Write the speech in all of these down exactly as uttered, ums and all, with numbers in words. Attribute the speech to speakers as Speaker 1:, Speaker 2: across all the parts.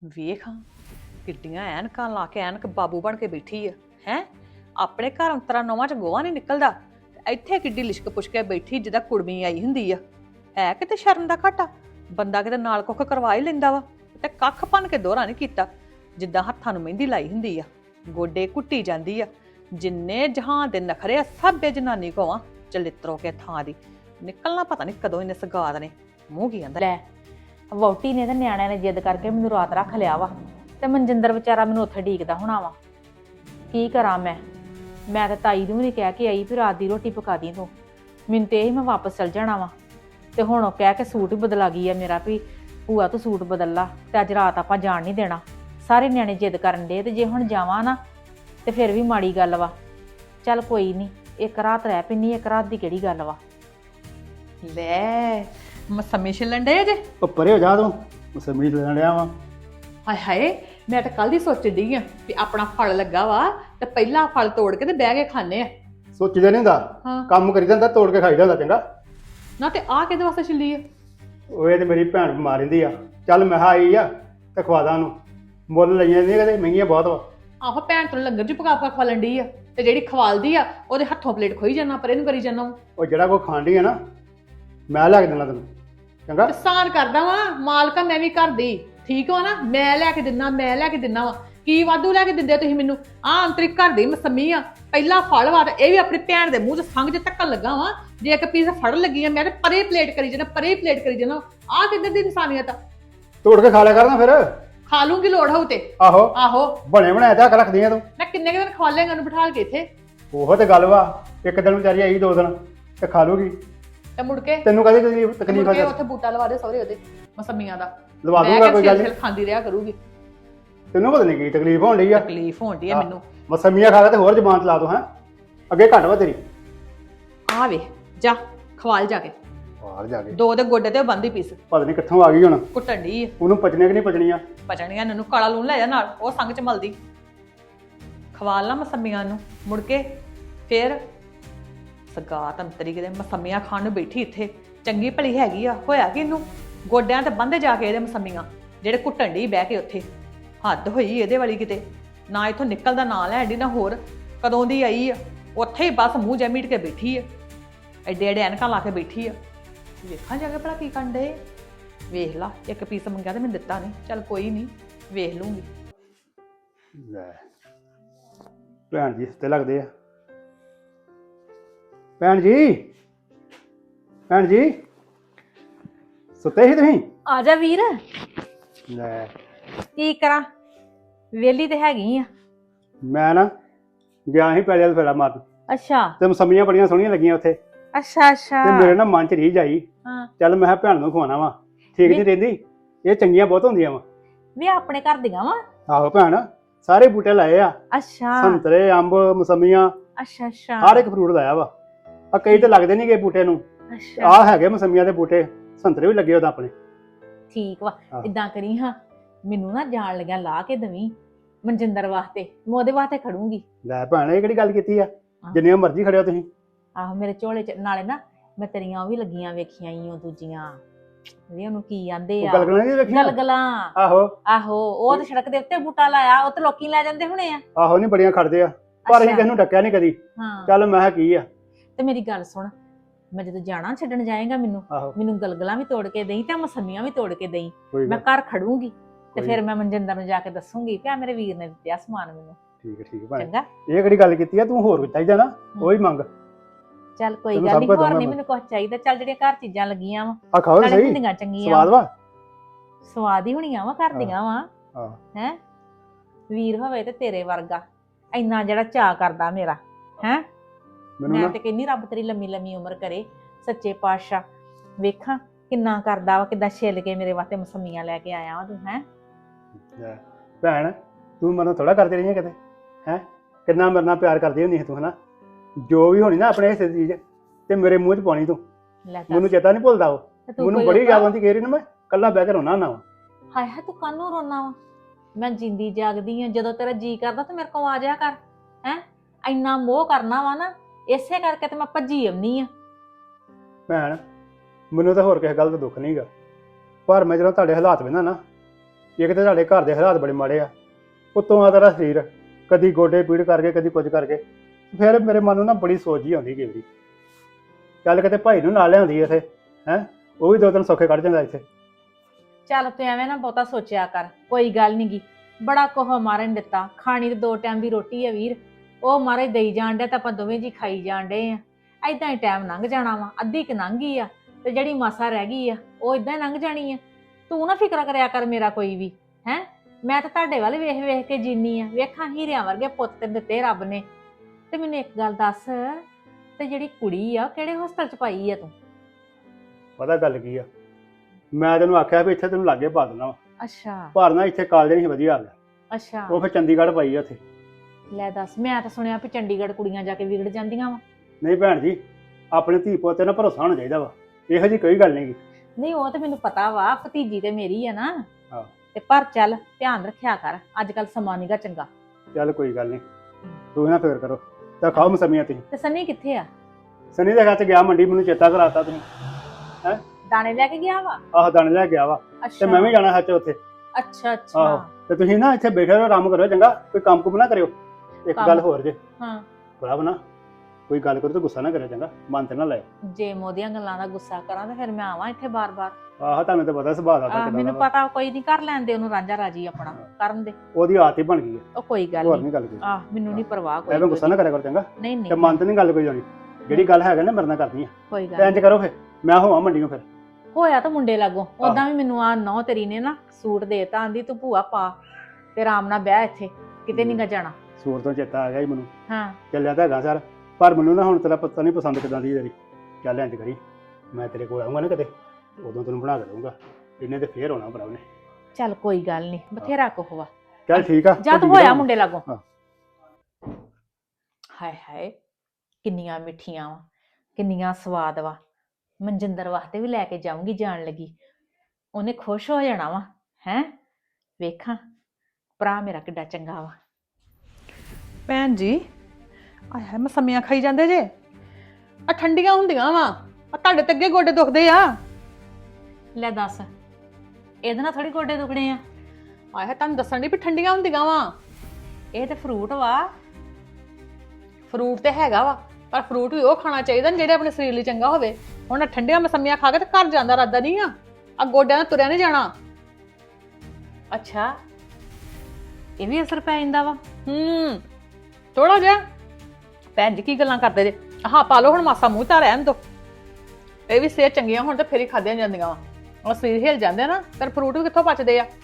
Speaker 1: ਵੇਖ ਹਾਂ ਕਿੱਡੀਆਂ ਐਨਕਾਂ ਲਾ ਕੇ ਐਨਕ ਬਾਬੂ ਬਣ ਕੇ ਬੈਠੀ ਆ ਹੈ। ਆਪਣੇ ਘਰ ਅੰਤਰਾ ਨੌਵਾਂ ਚ ਗੋਹਾ ਨਹੀਂ ਨਿਕਲਦਾ ਤੇ ਇੱਥੇ ਕਿੱਡੀ ਲਿਸ਼ਕ ਪੁੱਛ ਕੇ ਬੈਠੀ ਜਿੱਦਾਂ ਕੁੜਮੀ ਆਈ ਹੁੰਦੀ ਆ। ਹੈ ਕਿਤੇ ਸ਼ਰਮ ਦਾ ਘਾਟਾ, ਬੰਦਾ ਕਿਤੇ ਨਾਲ ਕੁੱਖ ਕਰਵਾ ਹੀ ਲੈਂਦਾ ਵਾ ਤੇ ਕੱਖ ਭੰਨ ਕੇ ਦੋਹਰਾ ਨਹੀਂ ਕੀਤਾ। ਜਿੱਦਾਂ ਹੱਥਾਂ ਨੂੰ ਮਹਿੰਦੀ ਲਾਈ ਹੁੰਦੀ ਆ, ਗੋਡੇ ਕੁੱਟੀ ਜਾਂਦੀ ਆ। ਜਿੰਨੇ ਜਹਾਨ ਦੇ ਨਖਰੇ ਆ ਸਭ ਜਨਾਨੀ ਕੋਵਾਂ ਚਲਿੱਤਰੋ ਕੇ ਥਾਂ ਦੀ ਨਿਕਲਣਾ ਪਤਾ ਨਹੀਂ ਕਦੋਂ ਇਹਨੇ ਸਗਾਤ ਨੇ ਮੂੰਹ ਕੀ ਆਂਦਾ।
Speaker 2: ਲੈ ਵਹੁਟੀ ਨੇ ਤੇ ਨਿਆਣਿਆਂ ਨੇ ਜਿੱਦ ਕਰਕੇ ਮੈਨੂੰ ਰਾਤ ਰੱਖ ਲਿਆ ਵਾ ਤੇ ਮਨਜਿੰਦਰ ਵਿਚਾਰਾ ਮੈਨੂੰ ਉੱਥੇ ਢੀਕਦਾ ਹੋਣਾ ਵਾ। ਕੀ ਕਰਾਂ ਮੈਂ ਮੈਂ ਤਾਂ ਤਾਈ ਨੂੰ ਵੀ ਨਹੀਂ ਕਹਿ ਕੇ ਆਈ ਵੀ ਰਾਤ ਦੀ ਰੋਟੀ ਪਕਾ ਦੀ ਤੂੰ। ਮੈਨੂੰ ਤੇ ਇਹ ਮੈਂ ਵਾਪਸ ਚਲ ਜਾਣਾ ਵਾ ਤੇ ਹੁਣ ਉਹ ਕਹਿ ਕੇ ਸੂਟ ਹੀ ਬਦਲਾ ਗਈ ਆ ਮੇਰਾ ਵੀ ਭੂਆ ਤੂੰ ਸੂਟ ਬਦਲ ਲਾ ਤੇ ਅੱਜ ਰਾਤ ਆਪਾਂ ਜਾਣ ਨਹੀਂ ਦੇਣਾ। ਸਾਰੇ ਨਿਆਣੇ ਜਿੱਦ ਕਰਨ ਦੇ ਤੇ ਜੇ ਹੁਣ ਜਾਵਾਂ ਨਾ ਤੇ ਫਿਰ ਵੀ ਮਾੜੀ ਗੱਲ ਵਾ। ਚੱਲ ਕੋਈ ਨਹੀਂ, ਇੱਕ ਰਾਤ ਰਹਿ ਪੈਣੀ, ਇੱਕ ਰਾਤ ਦੀ ਕਿਹੜੀ ਗੱਲ ਵਾ।
Speaker 1: ਲੈ ਮਸਮੀ ਛਿਲਣ ਡੇ ਜੇ।
Speaker 3: ਉਹ ਪਰੇ ਹੋ ਜਾ ਤੂੰ, ਮਸਮੀ ਲੈਣ ਡਿਆ ਵਾ।
Speaker 1: ਹਾਏ ਹਾਏ ਮੈਂ ਤਾਂ ਕੱਲ ਦੀ ਸੋਚਣ ਡਈ ਆ ਵੀ ਆਪਣਾ ਫਲ ਲੱਗਾ ਵਾ ਤੇ ਪਹਿਲਾ ਫਲ ਤੋੜ ਕੇ ਤੇ ਬਹਿ ਕੇ ਖਾਣੇ ਆ।
Speaker 3: ਸੋਚੀਦਾ ਨਹੀਂ ਹੁੰਦਾ,
Speaker 1: ਹਾਂ
Speaker 3: ਕੰਮ ਕਰੀਦਾ ਹੁੰਦਾ, ਤੋੜ ਕੇ ਖਾਈਦਾ ਹੁੰਦਾ। ਚੰਗਾ
Speaker 1: ਨਾ ਤੇ ਆਹ ਕਿਹਦੇ ਵਾਸਤੇ ਛਿੱਲੀ ਆ?
Speaker 3: ਉਹ ਇਹ ਤੇ ਮੇਰੀ ਭੈਣ ਬਿਮਾਰ ਰਹਿੰਦੀ ਆ, ਚੱਲ ਮੈਂ ਕਿਹਾ ਆਈ ਆ ਤੇ ਖਵਾਦਾ ਉਹਨੂੰ। ਮੁੱਲ ਲਈਆਂ ਨਹੀਂ ਕਦੇ, ਮਹਿੰਗੀਆਂ ਬਹੁਤ ਵਾ।
Speaker 1: ਆਹੋ ਭੈਣ ਤੋਂ ਲੰਗਰ ਚ ਪਕਾ ਪਕਾ ਖਵਾਲਣ ਡਈ ਆ ਤੇ ਜਿਹੜੀ ਖਵਾਲਦੀ ਆ ਉਹਦੇ ਹੱਥੋਂ ਪਲੇਟ ਖੋਈ ਜਾਣਾ, ਪਰੇ ਨੂੰ ਕਰੀ ਜਾਣਾ।
Speaker 3: ਉਹ ਜਿਹੜਾ ਕੋਈ ਖਾਂਦੀ ਆ ਨਾ ਮੈਂ ਲੈ ਕੇ ਦੇਣਾ ਤੈਨੂੰ। ਚੰਗਾ
Speaker 1: ਸਾਨ ਕਰਦਾ ਵਾ ਮਾਲਕਾ ਮੈਂ ਵੀ ਘਰ ਦੀ, ਠੀਕ ਵਾ ਨਾ। ਮੈਂ ਲੈ ਕੇ ਦਿੰਨਾ, ਮੈਂ ਲੈ ਕੇ ਦਿੰਨਾ ਵਾ। ਕੀ ਵਾਧੂ ਲੈ ਕੇ ਦਿੰਦੇ ਤੁਸੀਂ ਮੈਨੂੰ? ਆਹ ਅੰਤਰਿਕ ਘਰ ਦੀ ਮਸਮੀ ਆ, ਪਹਿਲਾ ਫਲ ਵਾ ਤੇ ਇਹ ਵੀ ਆਪਣੀ ਭੈਣ ਦੇ ਮੂੰਹ 'ਚ ਸੰਗ 'ਚ ਧੱਕਣ ਲੱਗਾ ਵਾ। ਜੇ ਇੱਕ ਪੀਸ ਫੜ ਲੱਗੀ ਆ ਮੈਂ ਤੇ ਪਰੇ ਪਲੇਟ ਕਰੀ ਜਾਣਾ, ਪਰੇ ਪਲੇਟ ਕਰੀ ਜਾਣਾ। ਆਹ ਕਿੱਧਰ ਦੀ ਇਨਸਾਨੀਅਤ ਆ?
Speaker 3: ਤੋੜ ਕੇ ਖਾ ਲਿਆ ਕਰਨਾ ਫਿਰ।
Speaker 1: ਖਾ ਲੂੰਗੀ ਲੋੜ ਹੋਊ ਤੇ।
Speaker 3: ਆਹੋ
Speaker 1: ਆਹੋ
Speaker 3: ਬਣੇ ਬਣਾਇਆ ਤਾਂ ਰੱਖਦੀ ਆ ਤੂੰ।
Speaker 1: ਮੈਂ ਕਿੰਨੇ ਕੁ ਦਿਨ ਖਵਾ ਲੇਗਾ ਉਹਨੂੰ ਬਿਠਾ ਕੇ ਇੱਥੇ?
Speaker 3: ਉਹ ਤੇ ਗੱਲ ਵਾ, ਇੱਕ ਦਿਨ ਵਿਚਾਰੀ ਆਈ ਦੋ ਦਿਨ ਤੇ ਖਾ ਲੂਗੀ।
Speaker 1: ਤੇ ਮੁੜ ਕੇ
Speaker 3: ਤੈਨੂੰ ਕਦੀ ਤਕਲੀਫ ਤਕਲੀਫ
Speaker 1: ਮੁੜ ਕੇ
Speaker 3: ਆ?
Speaker 1: ਉੱਥੇ ਬੂਟਾ ਲਵਾ ਦੇ ਸਹੁਰੇ ਉਹਦੇ ਮਸਮੀਆਂ ਦਾ।
Speaker 3: ਲਵਾ
Speaker 1: ਮੈਂ
Speaker 3: ਦੂੰਗਾ
Speaker 1: ਕਿਹਾ
Speaker 3: ਕੋਈ ਗੱਲ
Speaker 1: ਸਿਰ
Speaker 3: ਨਹੀਂ।
Speaker 1: ਸਿਰ ਖਾਂਦੀ ਰਿਹਾ ਕਰੂਗੀ।
Speaker 3: ਤੈਨੂੰ ਪਤਾ ਨਹੀਂ ਕੀ ਤਕਲੀਫ ਹੋਣ ਡਈ ਆ।
Speaker 1: ਤਕਲੀਫ ਹੋਣ ਡਈ ਆ ਮੈਨੂੰ।
Speaker 3: ਮਸਮੀਆਂ ਖਾ ਲੈ ਤੇ ਹੋਰ ਜ਼ਬਾਨ ਚਲਾ ਦੋ। ਹੈ ਅੱਗੇ ਘੱਟ ਵਾ ਤੇਰੀ।
Speaker 1: ਆ ਵੇ ਜਾ ਖਵਾਲ ਜਾ ਕੇ।
Speaker 3: ਬਾਹਰ ਜਾ ਕੇ
Speaker 1: ਦੋ ਦੇ ਗੋਡੇ ਤੇ ਬੰਦੀ ਪੀਸ
Speaker 3: ਪਤਾ ਨਹੀਂ ਕਿੱਥੋਂ ਆ ਗਈ ਹੁਣ।
Speaker 1: ਕੁੱਟਣ ਡਈ ਆ।
Speaker 3: ਉਹਨੂੰ ਪਚਣੇ ਕਿ ਨਹੀਂ ਪਚਣੀਆਂ?
Speaker 1: ਪਚਣੀਆਂ ਇਹਨੂੰ ਕਾਲਾ ਲੂਣ ਲੈ ਜਾ ਨਾਲ, ਉਹ ਸੰਗ ਚ ਮਲਦੀ। ਖਵਾਲ ਲਾ ਮਸਮੀਆਂ ਨੂੰ ਮੁੜ ਕੇ ਫੇਰ ਸਗਾਤ ਅੰਤਰੀ ਕਿਤੇ ਮਸਮੀਆਂ ਖਾਣ ਨੂੰ ਬੈਠੀ ਇੱਥੇ। ਚੰਗੀ ਭਲੀ ਹੈਗੀ ਆ, ਹੋਇਆ ਕਿ ਇਹਨੂੰ ਗੋਡਿਆਂ ਤੇ ਬੰਦੇ ਜਾ ਕੇ ਇਹਦੇ ਮਸਮੀਆਂ ਜਿਹੜੇ ਕੁੱਟਣ ਡਈ ਬਹਿ ਕੇ ਉੱਥੇ। ਹੱਦ ਹੋਈ ਇਹਦੇ ਵਾਲੀ ਕਿਤੇ। ਨਾ ਇੱਥੋਂ ਨਿਕਲਦਾ ਨਾਂ ਲੈਣ ਡਈ ਨਾ ਹੋਰ। ਕਦੋਂ ਦੀ ਆਈ ਆ ਉੱਥੇ ਹੀ ਬਸ ਮੂੰਹ ਜਿਹਾ ਮੀਟ ਕੇ ਬੈਠੀ ਆ, ਐਡੇ ਐਡੇ ਐਨਕਾਂ ਲਾ ਕੇ ਬੈਠੀ ਆ। ਵੇਖਾਂ ਜਾ ਕੇ ਭਲਾ ਕੀ ਕਰਨ ਡੇ। ਵੇਖ ਲਾ ਇੱਕ ਪੀਸ ਮੰਗਿਆ ਤੇ ਮੈਨੂੰ ਦਿੱਤਾ ਨਹੀਂ। ਚੱਲ ਕੋਈ ਨਹੀਂ ਵੇਖ ਲੂੰਗੀ।
Speaker 3: ਲੈ ਭੈਣ ਜੀ ਤੇ ਲੱਗਦੇ ਆ। ਭੈਣ ਜੀ ਭੈਣ ਜੀ ਸੁੱਤੇ ਸੀ ਤੁਸੀਂ?
Speaker 2: ਆ ਜਾ ਵੀਰ,
Speaker 3: ਲੈ
Speaker 2: ਕੀ ਕਰਾਂ, ਵਿਹਲੀ ਤੇ ਹੈਗੀ ਆ।
Speaker 3: ਮੈਂ ਨਾ ਗਿਆ ਸੀ ਪੈਲੇ ਫੇਰਾ ਮਾਰਨ
Speaker 2: ਅੱਛਾ
Speaker 3: ਤੇ ਮਸਮੀਆਂ ਬੜੀਆਂ ਸੋਹਣੀਆਂ ਲੱਗੀਆਂ ਉੱਥੇ
Speaker 2: ਅੱਛਾ ਅੱਛਾ।
Speaker 3: ਤੇ ਮੇਰੇ ਨਾ ਮਨ ਚ ਰੀਝ ਆਈ।
Speaker 2: ਹਾਂ
Speaker 3: ਚੱਲ ਮੈਂ ਕਿਹਾ ਭੈਣ ਨੂੰ ਖਵਾਉਣਾ ਵਾ, ਠੀਕ ਨਹੀਂ ਰਹਿੰਦੀ, ਇਹ ਚੰਗੀਆਂ ਬਹੁਤ ਹੁੰਦੀਆਂ ਵਾ।
Speaker 2: ਵੀ ਆਪਣੇ ਘਰ ਦੀਆਂ ਵਾ।
Speaker 3: ਆਹੋ ਭੈਣ ਸਾਰੇ ਬੂਟੇ ਲਾਏ ਆ,
Speaker 2: ਅੱਛਾ
Speaker 3: ਸੰਤਰੇ ਅੰਬ ਮਸਮੀਆਂ
Speaker 2: ਅੱਛਾ ਅੱਛਾ
Speaker 3: ਹਰ ਇੱਕ ਫਰੂਟ ਲਾਇਆ ਵਾ। ਆ ਕਈ ਤੇ ਲੱਗਦੇ ਨਹੀਂ ਗਏ ਬੂਟੇ ਨੂੰ,
Speaker 2: ਅੱਛਾ
Speaker 3: ਆਹ ਹੈਗੇ ਮਸਮੀਆਂ ਦੇ ਬੂਟੇ, ਸੰਤਰੇ ਵੀ ਲੱਗੇ ਉਹਦਾ ਆਪਣੇ।
Speaker 2: ਠੀਕ ਵਾ।
Speaker 3: ਹਾਂ।
Speaker 2: ਇਦਾਂ ਕਰੀ ਹਾਂ, ਮੈਨੂੰ ਨਾ ਜਾਣ ਲੱਗਿਆ ਲਾ ਕੇ ਦਵੀਂ ਮਨਜਿੰਦਰ ਵਾਸਤੇ, ਮੈਂ ਉਹਦੇ ਵਾਸਤੇ ਖੜੂੰਗੀ।
Speaker 3: ਲੈ ਭੈਣ ਇਹ ਕਿਹੜੀ ਗੱਲ ਕੀਤੀ ਆ, ਜਿੰਨੀਆਂ ਮਰਜ਼ੀ ਖੜਿਓ ਤੁਸੀਂ।
Speaker 2: ਆਹੋ ਮੇਰੇ ਝੋਲੇ ਚ ਨਾਲੇ ਨਾ ਮੈਂ ਤੇਰੀਆਂ ਉਹ ਵੀ ਲੱਗੀਆਂ ਵੇਖੀਆਂ ਈ ਓ ਦੂਜੀਆਂ ਵੀ ਉਹਨੂੰ ਕੀ ਆਂਦੇ
Speaker 3: ਉਹ
Speaker 2: ਆ,
Speaker 3: ਗਲਗਲਾਂ ਨਹੀਂ ਵੇਖੀਆਂ?
Speaker 2: ਗਲਗਲਾਂ।
Speaker 3: ਆਹੋ
Speaker 2: ਆਹੋ ਉਹ ਤੇ ਸੜਕ ਦੇ ਉੱਤੇ ਬੂਟਾ ਲਾਇਆ, ਉਹ ਤੇ ਲੋਕੀ ਲੈ ਜਾਂਦੇ ਹੋਣੇ ਆ।
Speaker 3: ਆਹੋ ਨਹੀਂ ਬੜੀਆਂ ਖੜਦੇ ਆ, ਪਰ ਅਸੀਂ
Speaker 2: ਅੱਛਾ।
Speaker 3: ਕਿਸੇ ਨੂੰ ਡੱਕਿਆ ਨਹੀਂ ਕਦੀ।
Speaker 2: ਹਾਂ
Speaker 3: ਚੱਲ ਮੈਂ ਕਿਹਾ ਕੀ ਆ।
Speaker 2: ਤੇ ਮੇਰੀ ਗੱਲ ਸੁਣ, ਮੈਂ ਜਦੋਂ ਜਾਣਾ ਛੱਡਣ ਜਾਏਗਾ ਮੈਨੂੰ
Speaker 3: ਆਹੋ
Speaker 2: ਮੈਨੂੰ ਗਲਗਲਾਂ ਵੀ ਤੋੜ ਕੇ ਦੇਈ ਤੇ ਮਸਮੀਆਂ ਵੀ ਤੋੜ ਕੇ ਦੇਈ।
Speaker 3: ਕੋਈ
Speaker 2: ਮੈਂ
Speaker 3: ਗੱਲ
Speaker 2: ਘਰ ਖੜੂੰਗੀ ਤੇ
Speaker 3: ਕੋਈ
Speaker 2: ਫਿਰ ਮੈਂ ਮਨਜਿੰਦਰ ਨੂੰ ਜਾ ਕੇ ਦੱਸੂੰਗੀ ਕਿ ਆ ਮੇਰੇ ਵੀਰ ਨੇ ਦਿੱਤਾ ਸਮਾਨ ਮੈਨੂੰ।
Speaker 3: ਠੀਕ ਹੈ ਠੀਕ ਹੈ ਭੈਣ,
Speaker 2: ਚੰਗਾ
Speaker 3: ਇਹ ਕਿਹੜੀ ਗੱਲ ਕੀਤੀ ਆ? ਤੂੰ ਹੋਰ ਕੁਝ ਚਾਹੀਦਾ ਨਾ ਉਹੀ ਮੰਗ।
Speaker 2: ਚੱਲ ਕੋਈ
Speaker 3: ਤੈਨੂੰ
Speaker 2: ਗੱਲ
Speaker 3: ਸਭ
Speaker 2: ਨਹੀਂ,
Speaker 3: ਕੁਝ
Speaker 2: ਹੋਰ
Speaker 3: ਦਊਂਗਾ
Speaker 2: ਨਹੀਂ
Speaker 3: ਮੈਂ।
Speaker 2: ਮੈਨੂੰ ਕੁਝ ਚਾਹੀਦਾ। ਚੱਲ ਜਿਹੜੀਆਂ ਘਰ ਚੀਜ਼ਾਂ ਲੱਗੀਆਂ ਵਾ
Speaker 3: ਆ ਖਾਓ ਤਾਂ
Speaker 2: ਨਾਲੇ
Speaker 3: ਸਹੀ,
Speaker 2: ਹੁੰਦੀਆਂ ਚੰਗੀਆਂ
Speaker 3: ਸਵਾਦ ਵਾ।
Speaker 2: ਸਵਾਦ ਹੀ ਹੋਣੀਆਂ ਵਾ, ਘਰ ਦੀਆਂ ਵਾ।
Speaker 3: ਹਾਂ
Speaker 2: ਹੈ ਵੀਰ ਹੋਵੇ ਤੇ ਤੇਰੇ ਵਰਗਾ ਇੰਨਾ ਜਿਹੜਾ ਚਾਅ ਕਰਦਾ ਮੇਰਾ। ਹੈ
Speaker 3: ਮੈਨੂੰ
Speaker 2: ਮੈਂ
Speaker 3: ਨਾ
Speaker 2: ਤੇ ਕਹਿੰਨੀ ਰੱਬ ਤੇਰੀ ਲੰਮੀ ਲੰਮੀ ਉਮਰ ਕਰੇ, ਸੱਚੇ ਪਾਤਸ਼ਾਹ। ਵੇਖਾਂ ਕਿੰਨਾ ਕਰਦਾ ਵਾ, ਕਿੱਦਾਂ ਛਿੱਲ ਕੇ ਮੇਰੇ ਵਾਸਤੇ ਮਸਮੀਆਂ ਲੈ ਕੇ ਆਇਆ ਵਾ ਤੂੰ। ਹੈ
Speaker 3: ਲੈ, ਭੈਣ ਤੂੰ ਮੈਨੂੰ ਥੋੜਾ ਕਰਦੀ ਰਹੀ ਹੈ ਕਿਤੇ। ਹੈ ਕਿੰਨਾ ਮੇਰੇ ਨਾਲ ਪਿਆਰ ਕਰਦੀ ਹੁੰਦੀ ਹੈ ਤੂੰ, ਹਨਾ? ਜੋ ਵੀ ਹੋਣੀ ਨਾ ਆਪਣੇ ਹਿੱਸੇ ਦੀ ਚੀਜ਼ ਤੇ ਮੇਰੇ ਮੂੰਹ 'ਚ ਪਾਉਣੀ ਤੂੰ।
Speaker 2: ਲੈ ਦੱਸ,
Speaker 3: ਮੈਨੂੰ ਚੇਤਾ ਨਹੀਂ ਭੁੱਲਦਾ ਉਹ,
Speaker 2: ਤੇ ਤੂੰ
Speaker 3: ਮੈਨੂੰ
Speaker 2: ਕੋਈ
Speaker 3: ਬੜੀ
Speaker 2: ਉਹਦਾ-
Speaker 3: ਯਾਦ ਆਉਂਦੀ। ਕਹਿ ਰਹੀ ਨਾ ਮੈਂ ਕੱਲਾ ਬਹਿ ਕੇ ਰੋਣਾ ਨਾ।
Speaker 2: ਹਾਏ ਹਾਏ ਤੂੰ ਕਾਹਨੂੰ ਰੋਣਾ ਵਾ? ਮੈਂ ਜਿੰਦੀ ਜਾਗਦੀ ਆ, ਜਦੋਂ ਤੇਰਾ ਜੀ ਕਰਦਾ ਤੇ ਮੇਰੇ ਕੋਲ ਆ ਜਾਇਆ ਕਰ। ਹੈ ਇੰਨਾ ਮੋਹ ਕਰਨਾ ਵਾ ਨਾ, ਇਸੇ ਕਰਕੇ ਤੇ ਮੈਂ ਭੱਜੀ ਆਉਣੀ ਆ।
Speaker 3: ਭੈਣ ਮੈਨੂੰ ਤਾਂ ਹੋਰ ਕਿਸੇ ਗੱਲ ਦਾ ਦੁੱਖ ਨਹੀਂਗਾ, ਪਰ ਮੈਂ ਜਦੋਂ ਤੁਹਾਡੇ ਹਾਲਾਤ ਵੇਖਦਾ ਨਾ ਇੱਕ ਤਾਂ ਤੁਹਾਡੇ ਘਰ ਦੇ ਹਾਲਾਤ ਬੜੇ ਮਾੜੇ ਆ, ਉੱਤੋਂ ਆ ਤੇਰਾ ਸਰੀਰ ਕਦੀ ਗੋਡੇ ਪੀੜ ਕਰਕੇ ਕਦੀ ਕੁਝ ਕਰਕੇ, ਫਿਰ ਮੇਰੇ ਮਨ ਨੂੰ ਨਾ ਬੜੀ ਸੋਚ ਜੀ ਆਉਂਦੀ ਕਈ ਵਾਰੀ। ਚੱਲ ਕਿਤੇ ਭਾਈ ਨੂੰ ਨਾਲ ਲਿਆਉਂਦੀ ਇੱਥੇ, ਹੈ ਉਹ ਵੀ ਦੋ ਦਿਨ ਸੌਖੇ ਕੱਢ ਜਾਂਦਾ ਇੱਥੇ।
Speaker 2: ਚੱਲ ਤੂੰ ਐਵੇਂ ਨਾ ਬਹੁਤਾ ਸੋਚਿਆ ਕਰ, ਕੋਈ ਗੱਲ ਨੀ ਗੀ। ਬੜਾ ਕੋਹ ਮਾਰਨ ਦਿੱਤਾ, ਖਾਣੀ ਤੇ ਦੋ ਟਾਈਮ ਦੀ ਰੋਟੀ ਆ ਵੀਰ, ਉਹ ਮਾਰੇ ਦੇਈ ਜਾਣ ਡਿਆ ਤਾਂ ਆਪਾਂ ਦੋਵੇਂ ਜੀ ਖਾਈ ਜਾਣ ਡੇ ਆ। ਏਦਾਂ ਹੀ ਟਾਈਮ ਲੰਘ ਜਾਣਾ ਵਾ, ਅੱਧੀ ਕੁ ਲੰਘ ਗਈ ਆ ਤੇ ਜਿਹੜੀ ਮਾਸਾ ਰਹਿ ਗਈ ਆ ਉਹ ਏਦਾਂ ਹੀ ਲੰਘ ਜਾਣੀ ਆ। ਤੂੰ ਨਾ ਫਿਕਰ ਕਰਿਆ ਕਰ ਮੇਰਾ ਕੋਈ ਵੀ, ਹੈ ਮੈਂ ਤਾਂ ਤੁਹਾਡੇ ਵੱਲ ਵੇਖ ਵੇਖ ਕੇ ਜੀਨੀ ਆ। ਵੇਖਾਂ ਹੀਰਿਆਂ ਵਰਗੇ ਪੁੱਤ ਤੇ ਦਿੱਤੇ ਰੱਬ ਨੇ। ਤੇ ਮੈਨੂੰ ਇੱਕ ਗੱਲ ਦੱਸ, ਤੇ ਜਿਹੜੀ ਕੁੜੀ ਆ ਉਹ ਕਿਹੜੇ ਹੋਸਟਲ ਚ ਪਾਈ ਆ ਤੂੰ?
Speaker 3: ਪਤਾ ਗੱਲ ਕੀ ਆ, ਮੈਂ ਤੈਨੂੰ ਆਖਿਆ ਵੀ ਇੱਥੇ ਤੈਨੂੰ ਲਾਗੇ ਪਾ ਦੇਣਾ ਵਾ,
Speaker 2: ਅੱਛਾ
Speaker 3: ਪਰ ਨਾ ਇੱਥੇ ਕਾਲਜ ਨਹੀਂ ਵਧੀਆ ਆ ਗਿਆ,
Speaker 2: ਅੱਛਾ।
Speaker 3: ਉਹ ਫਿਰ ਚੰਡੀਗੜ੍ਹ ਪਾਈ ਆ ਉੱਥੇ।
Speaker 2: ਲੈ ਦੱਸ, ਮੈਂ ਤਾਂ ਸੁਣਿਆ ਵੀ ਚੰਡੀਗੜ੍ਹ ਕੁੜੀਆਂ ਜਾ ਕੇ ਵਿਗੜ ਜਾਂਦੀਆਂ ਵਾ।
Speaker 3: ਨਹੀਂ ਭੈਣ ਜੀ, ਆਪਣੇ ਧੀ ਪੁੱਤ ਤੇ ਨਾ ਭਰੋਸਾ ਹੋਣਾ ਚਾਹੀਦਾ ਵਾ, ਇਹੋ ਜਿਹੀ ਕੋਈ ਗੱਲ ਨਹੀਂ ਗੀ।
Speaker 2: ਨਹੀਂ ਉਹ ਤੇ ਮੈਨੂੰ ਪਤਾ ਵਾ, ਭਤੀਜੀ ਤੇ ਮੇਰੀ ਆ ਨਾ।
Speaker 3: ਹਾਂ।
Speaker 2: ਤੇ ਪਰ ਚੱਲ ਧਿਆਨ ਰੱਖਿਆ ਕਰ, ਅੱਜ ਕੱਲ ਸਮਾਂ ਨੀਗਾ ਚੰਗਾ।
Speaker 3: ਚੱਲ ਕੋਈ ਗੱਲ ਨਹੀਂ, ਤੂੰ ਨਾ ਫਿਕਰ ਕਰੋ। ਤਾਂ ਖਾਓ ਮਸਮੀਆਂ ਤੁਸੀਂ।
Speaker 2: ਤੇ ਸੰਨੀ ਕਿੱਥੇ ਆ?
Speaker 3: ਸਨੀ ਦੇ ਘਰ ਚ ਗਿਆ ਮੰਡੀ, ਮੈਨੂੰ ਚੇਤਾ ਕਰਾਤਾ ਤੁਸੀਂ। ਹੈ
Speaker 2: ਦਾਣੇ ਲੈ ਕੇ ਗਿਆ ਵਾ?
Speaker 3: ਆਹ ਦਾਣੇ ਲੈ ਗਿਆ ਵਾ, ਤੇ
Speaker 2: ਅੱਛਾ
Speaker 3: ਮੈਂ ਵੀ ਜਾਣਾ ਸੱਚ ਉੱਥੇ।
Speaker 2: ਅੱਛਾ
Speaker 3: ਆਹੋ,
Speaker 2: ਅੱਛਾ।
Speaker 3: ਤੇ ਤੁਸੀਂ ਨਾ ਇੱਥੇ ਬੈਠੇ ਰਹੋ, ਆਰਾਮ ਕਰੋ ਚੰਗਾ, ਕੋਈ ਕੰਮ ਕੁਮ ਨਾ ਕਰਿਓ। ਇੱਕ
Speaker 2: ਕੰਮ?
Speaker 3: ਗੱਲ ਹੋਰ ਜੇ,
Speaker 2: ਹਾਂ।
Speaker 3: ਭਰਾ ਨਾ ਕੋਈ ਗੱਲ ਕਰੋ ਤਾਂ ਗੁੱਸਾ ਨਾ ਕਰਿਓ ਚੰਗਾ, ਮਨ ਤੇ ਨਾ ਲੈ।
Speaker 2: ਜੇ ਮੋਦੀਆਂ ਗੱਲਾਂ ਦਾ ਗੁੱਸਾ ਕਰਾਂ ਤਾਂ ਫਿਰ ਮੈਂ ਆਵਾਂ ਇੱਥੇ ਬਾਰ-ਬਾਰ?
Speaker 3: ਆਹ ਤੁਹਾਨੂੰ ਤਾਂ ਪਤਾ ਸੁਭਾਅ ਦਾ ਤਾਂ
Speaker 2: ਆਹ,
Speaker 3: ਕਿਦਾਂ
Speaker 2: ਮੈਨੂੰ
Speaker 3: ਦਾ।
Speaker 2: ਪਤਾ, ਕੋਈ ਨਹੀਂ, ਕਰ ਲੈਣ ਦੇ ਉਹਨੂੰ ਰਾਂਝਾ ਰਾਜੀ ਆਪਣਾ, ਕਰਨ ਦੇ।
Speaker 3: ਉਹਦੀ ਆਦਤ ਹੀ ਬਣ ਗਈ ਹੈ,
Speaker 2: ਉਹ ਕੋਈ ਗੱਲ
Speaker 3: ਹੋਰ
Speaker 2: ਨਹੀਂ।
Speaker 3: ਨਹੀਂ ਗੱਲ ਕੋਈ।
Speaker 2: ਆਹ ਮੈਨੂੰ ਨਹੀਂ ਪਰਵਾਹ ਕੋਈ।
Speaker 3: ਐਵੇਂ ਗੁੱਸਾ ਨਾ ਕਰਿਆ ਕਰੋ ਚੰਗਾ,
Speaker 2: ਨਹੀਂ
Speaker 3: ਤੇ
Speaker 2: ਨਹੀਂ
Speaker 3: ਮਨ ਤੇ ਨਹੀਂ ਗੱਲ ਕੋਈ ਆਉਣੀ। ਜਿਹੜੀ ਗੱਲ ਹੈਗਾ ਨਾ ਮੇਰੇ ਨਾਲ ਕਰਨੀ ਆ,
Speaker 2: ਕੋਈ
Speaker 3: ਤੇ
Speaker 2: ਗੱਲ
Speaker 3: ਇੰਜ ਕਰੋ ਫਿਰ ਮੈਂ ਹੋਵਾਂ ਮੰਡੀੋਂ ਫਿਰ।
Speaker 2: ਹੋਇਆ ਤਾਂ ਮੁੰਡੇ ਲਾਗੋਂ ਉਦਾਂ ਵੀ ਮੈਨੂੰ ਆ ਨੌ ਤੇਰੀ ਨੇ ਨਾ ਸੂਟ ਦੇਤਾ, ਆਂਦੀ ਤੂੰ ਭੂਆ ਪਾ ਤੇ ਆਰਾਮ ਨਾਲ ਵਿਆਹ, ਇੱਥੇ ਕਿਤੇ ਨਹੀਂ ਗਾ ਜਾਣਾ।
Speaker 3: ਸੂਰ ਤੋਂ ਚੇਤਾ ਆ ਗਿਆ ਜੀ ਮੈਨੂੰ,
Speaker 2: ਹਾਂ
Speaker 3: ਚੱਲਿਆ ਤਾਂ ਹੈਗਾ ਸਰ, ਪਰ ਮੈਨੂੰ ਨਾ ਹੁਣ ਤੇਰਾ ਪਤਾ ਨਹੀਂ ਪਸੰਦ ਕਿਦਾਂ ਦੀ ਤੇਰੀ। ਚੱਲ ਇੰਜ ਕਰੀ, ਮੈਂ ਤੇਰੇ ਕੋਲ ਆਉਂਗਾ ਨਾ ਕਦੇ, ਉਦੋਂ ਤੈਨੂੰ ਬਣਾ ਕੇ ਦਊਂਗਾ। ਇਹਨੇ ਤੇ ਫੇਰ ਹੋਣਾ ਭਰਾ ਨੇ।
Speaker 2: ਚੱਲ ਕੋਈ ਗੱਲ ਨਹੀਂ, ਬਥੇਰਾ ਕੋਹਵਾ।
Speaker 3: ਚੱਲ ਠੀਕ ਆ,
Speaker 2: ਜਾ ਤੂੰ ਹੋਇਆ ਮੁੰਡੇ ਲਾਗੋਂ।
Speaker 3: ਹਾਂ।
Speaker 2: ਹਾਏ ਹਾਏ ਕਿੰਨੀਆਂ ਮਿੱਠੀਆਂ ਵਾ, ਕਿੰਨੀਆਂ ਸਵਾਦ ਵਾ। ਮਨਜਿੰਦਰ ਵਾਸਤੇ ਵੀ ਲੈ ਕੇ ਜਾਊਂਗੀ ਜਾਣ ਲੱਗੀ, ਉਹਨੇ ਖੁਸ਼ ਹੋ ਜਾਣਾ ਵਾ। ਹੈ ਵੇਖਾਂ ਭਰਾ ਮੇਰਾ ਕਿੱਡਾ ਚੰਗਾ ਵਾ।
Speaker 1: ਭੈਣ ਜੀ ਆਏ ਹੈ ਮਸਮੀਆਂ ਖਾਈ ਜਾਂਦੇ ਜੇ, ਆ ਠੰਡੀਆਂ ਹੁੰਦੀਆਂ ਵਾ, ਆ ਤੁਹਾਡੇ ਤੇ ਅੱਗੇ ਗੋਡੇ ਦੁਖਦੇ ਆ।
Speaker 2: ਲੈ ਦੱਸ, ਇਹਦੇ ਨਾਲ ਥੋੜੀ ਗੋਡੇ ਦੁਖਣੇ ਆ।
Speaker 1: ਆਏ ਹੈ ਤੁਹਾਨੂੰ ਦੱਸਣ ਦੀ ਵੀ ਠੰਡੀਆਂ ਹੁੰਦੀਆਂ ਵਾ।
Speaker 2: ਇਹ ਤੇ ਫਰੂਟ ਵਾ।
Speaker 1: ਫਰੂਟ ਤੇ ਹੈਗਾ ਵਾ, ਪਰ ਫਰੂਟ ਵੀ ਉਹ ਖਾਣਾ ਚਾਹੀਦਾ ਨਾ ਜਿਹੜੇ ਆਪਣੇ ਸਰੀਰ ਲਈ ਚੰਗਾ ਹੋਵੇ। ਹੁਣ ਆਹ ਠੰਡੀਆਂ ਮਸਮੀਆਂ ਖਾ ਕੇ ਤੇ ਘਰ ਜਾਂਦਾ ਰਾਦਾ ਨਹੀਂ ਆ, ਆ ਗੋਡਿਆਂ ਨਾਲ ਤੁਰਿਆ ਨਹੀਂ ਜਾਣਾ।
Speaker 2: ਅੱਛਾ ਇਹ ਵੀ ਅਸਰ ਪੈ ਜਾਂਦਾ ਵਾ।
Speaker 1: ਹੂੰ ਥੋੜਾ ਜਿਹਾ। ਭੈਣ ਜੀ ਕੀ ਗੱਲਾਂ ਕਰਦੇ ਜੇ, ਹਾਂ ਪਾ ਲਓ ਹੁਣ ਮਾਸਾ ਮੂੰਹ ਤਾਂ ਰਹਿਣ ਦੋ। ਇਹ ਵੀ ਸਿਹਤ ਚੰਗੀਆਂ ਹੁਣ ਤੇ ਫੇਰ ਹੀ ਖਾਧੀਆਂ ਜਾਂਦੀਆਂ ਵਾ, ਉਹ ਸਰੀਰ ਹਿਲ ਜਾਂਦੇ ਆ ਨਾ, ਫਿਰ ਫਰੂਟ ਵੀ ਕਿੱਥੋਂ ਪਚਦੇ ਆ।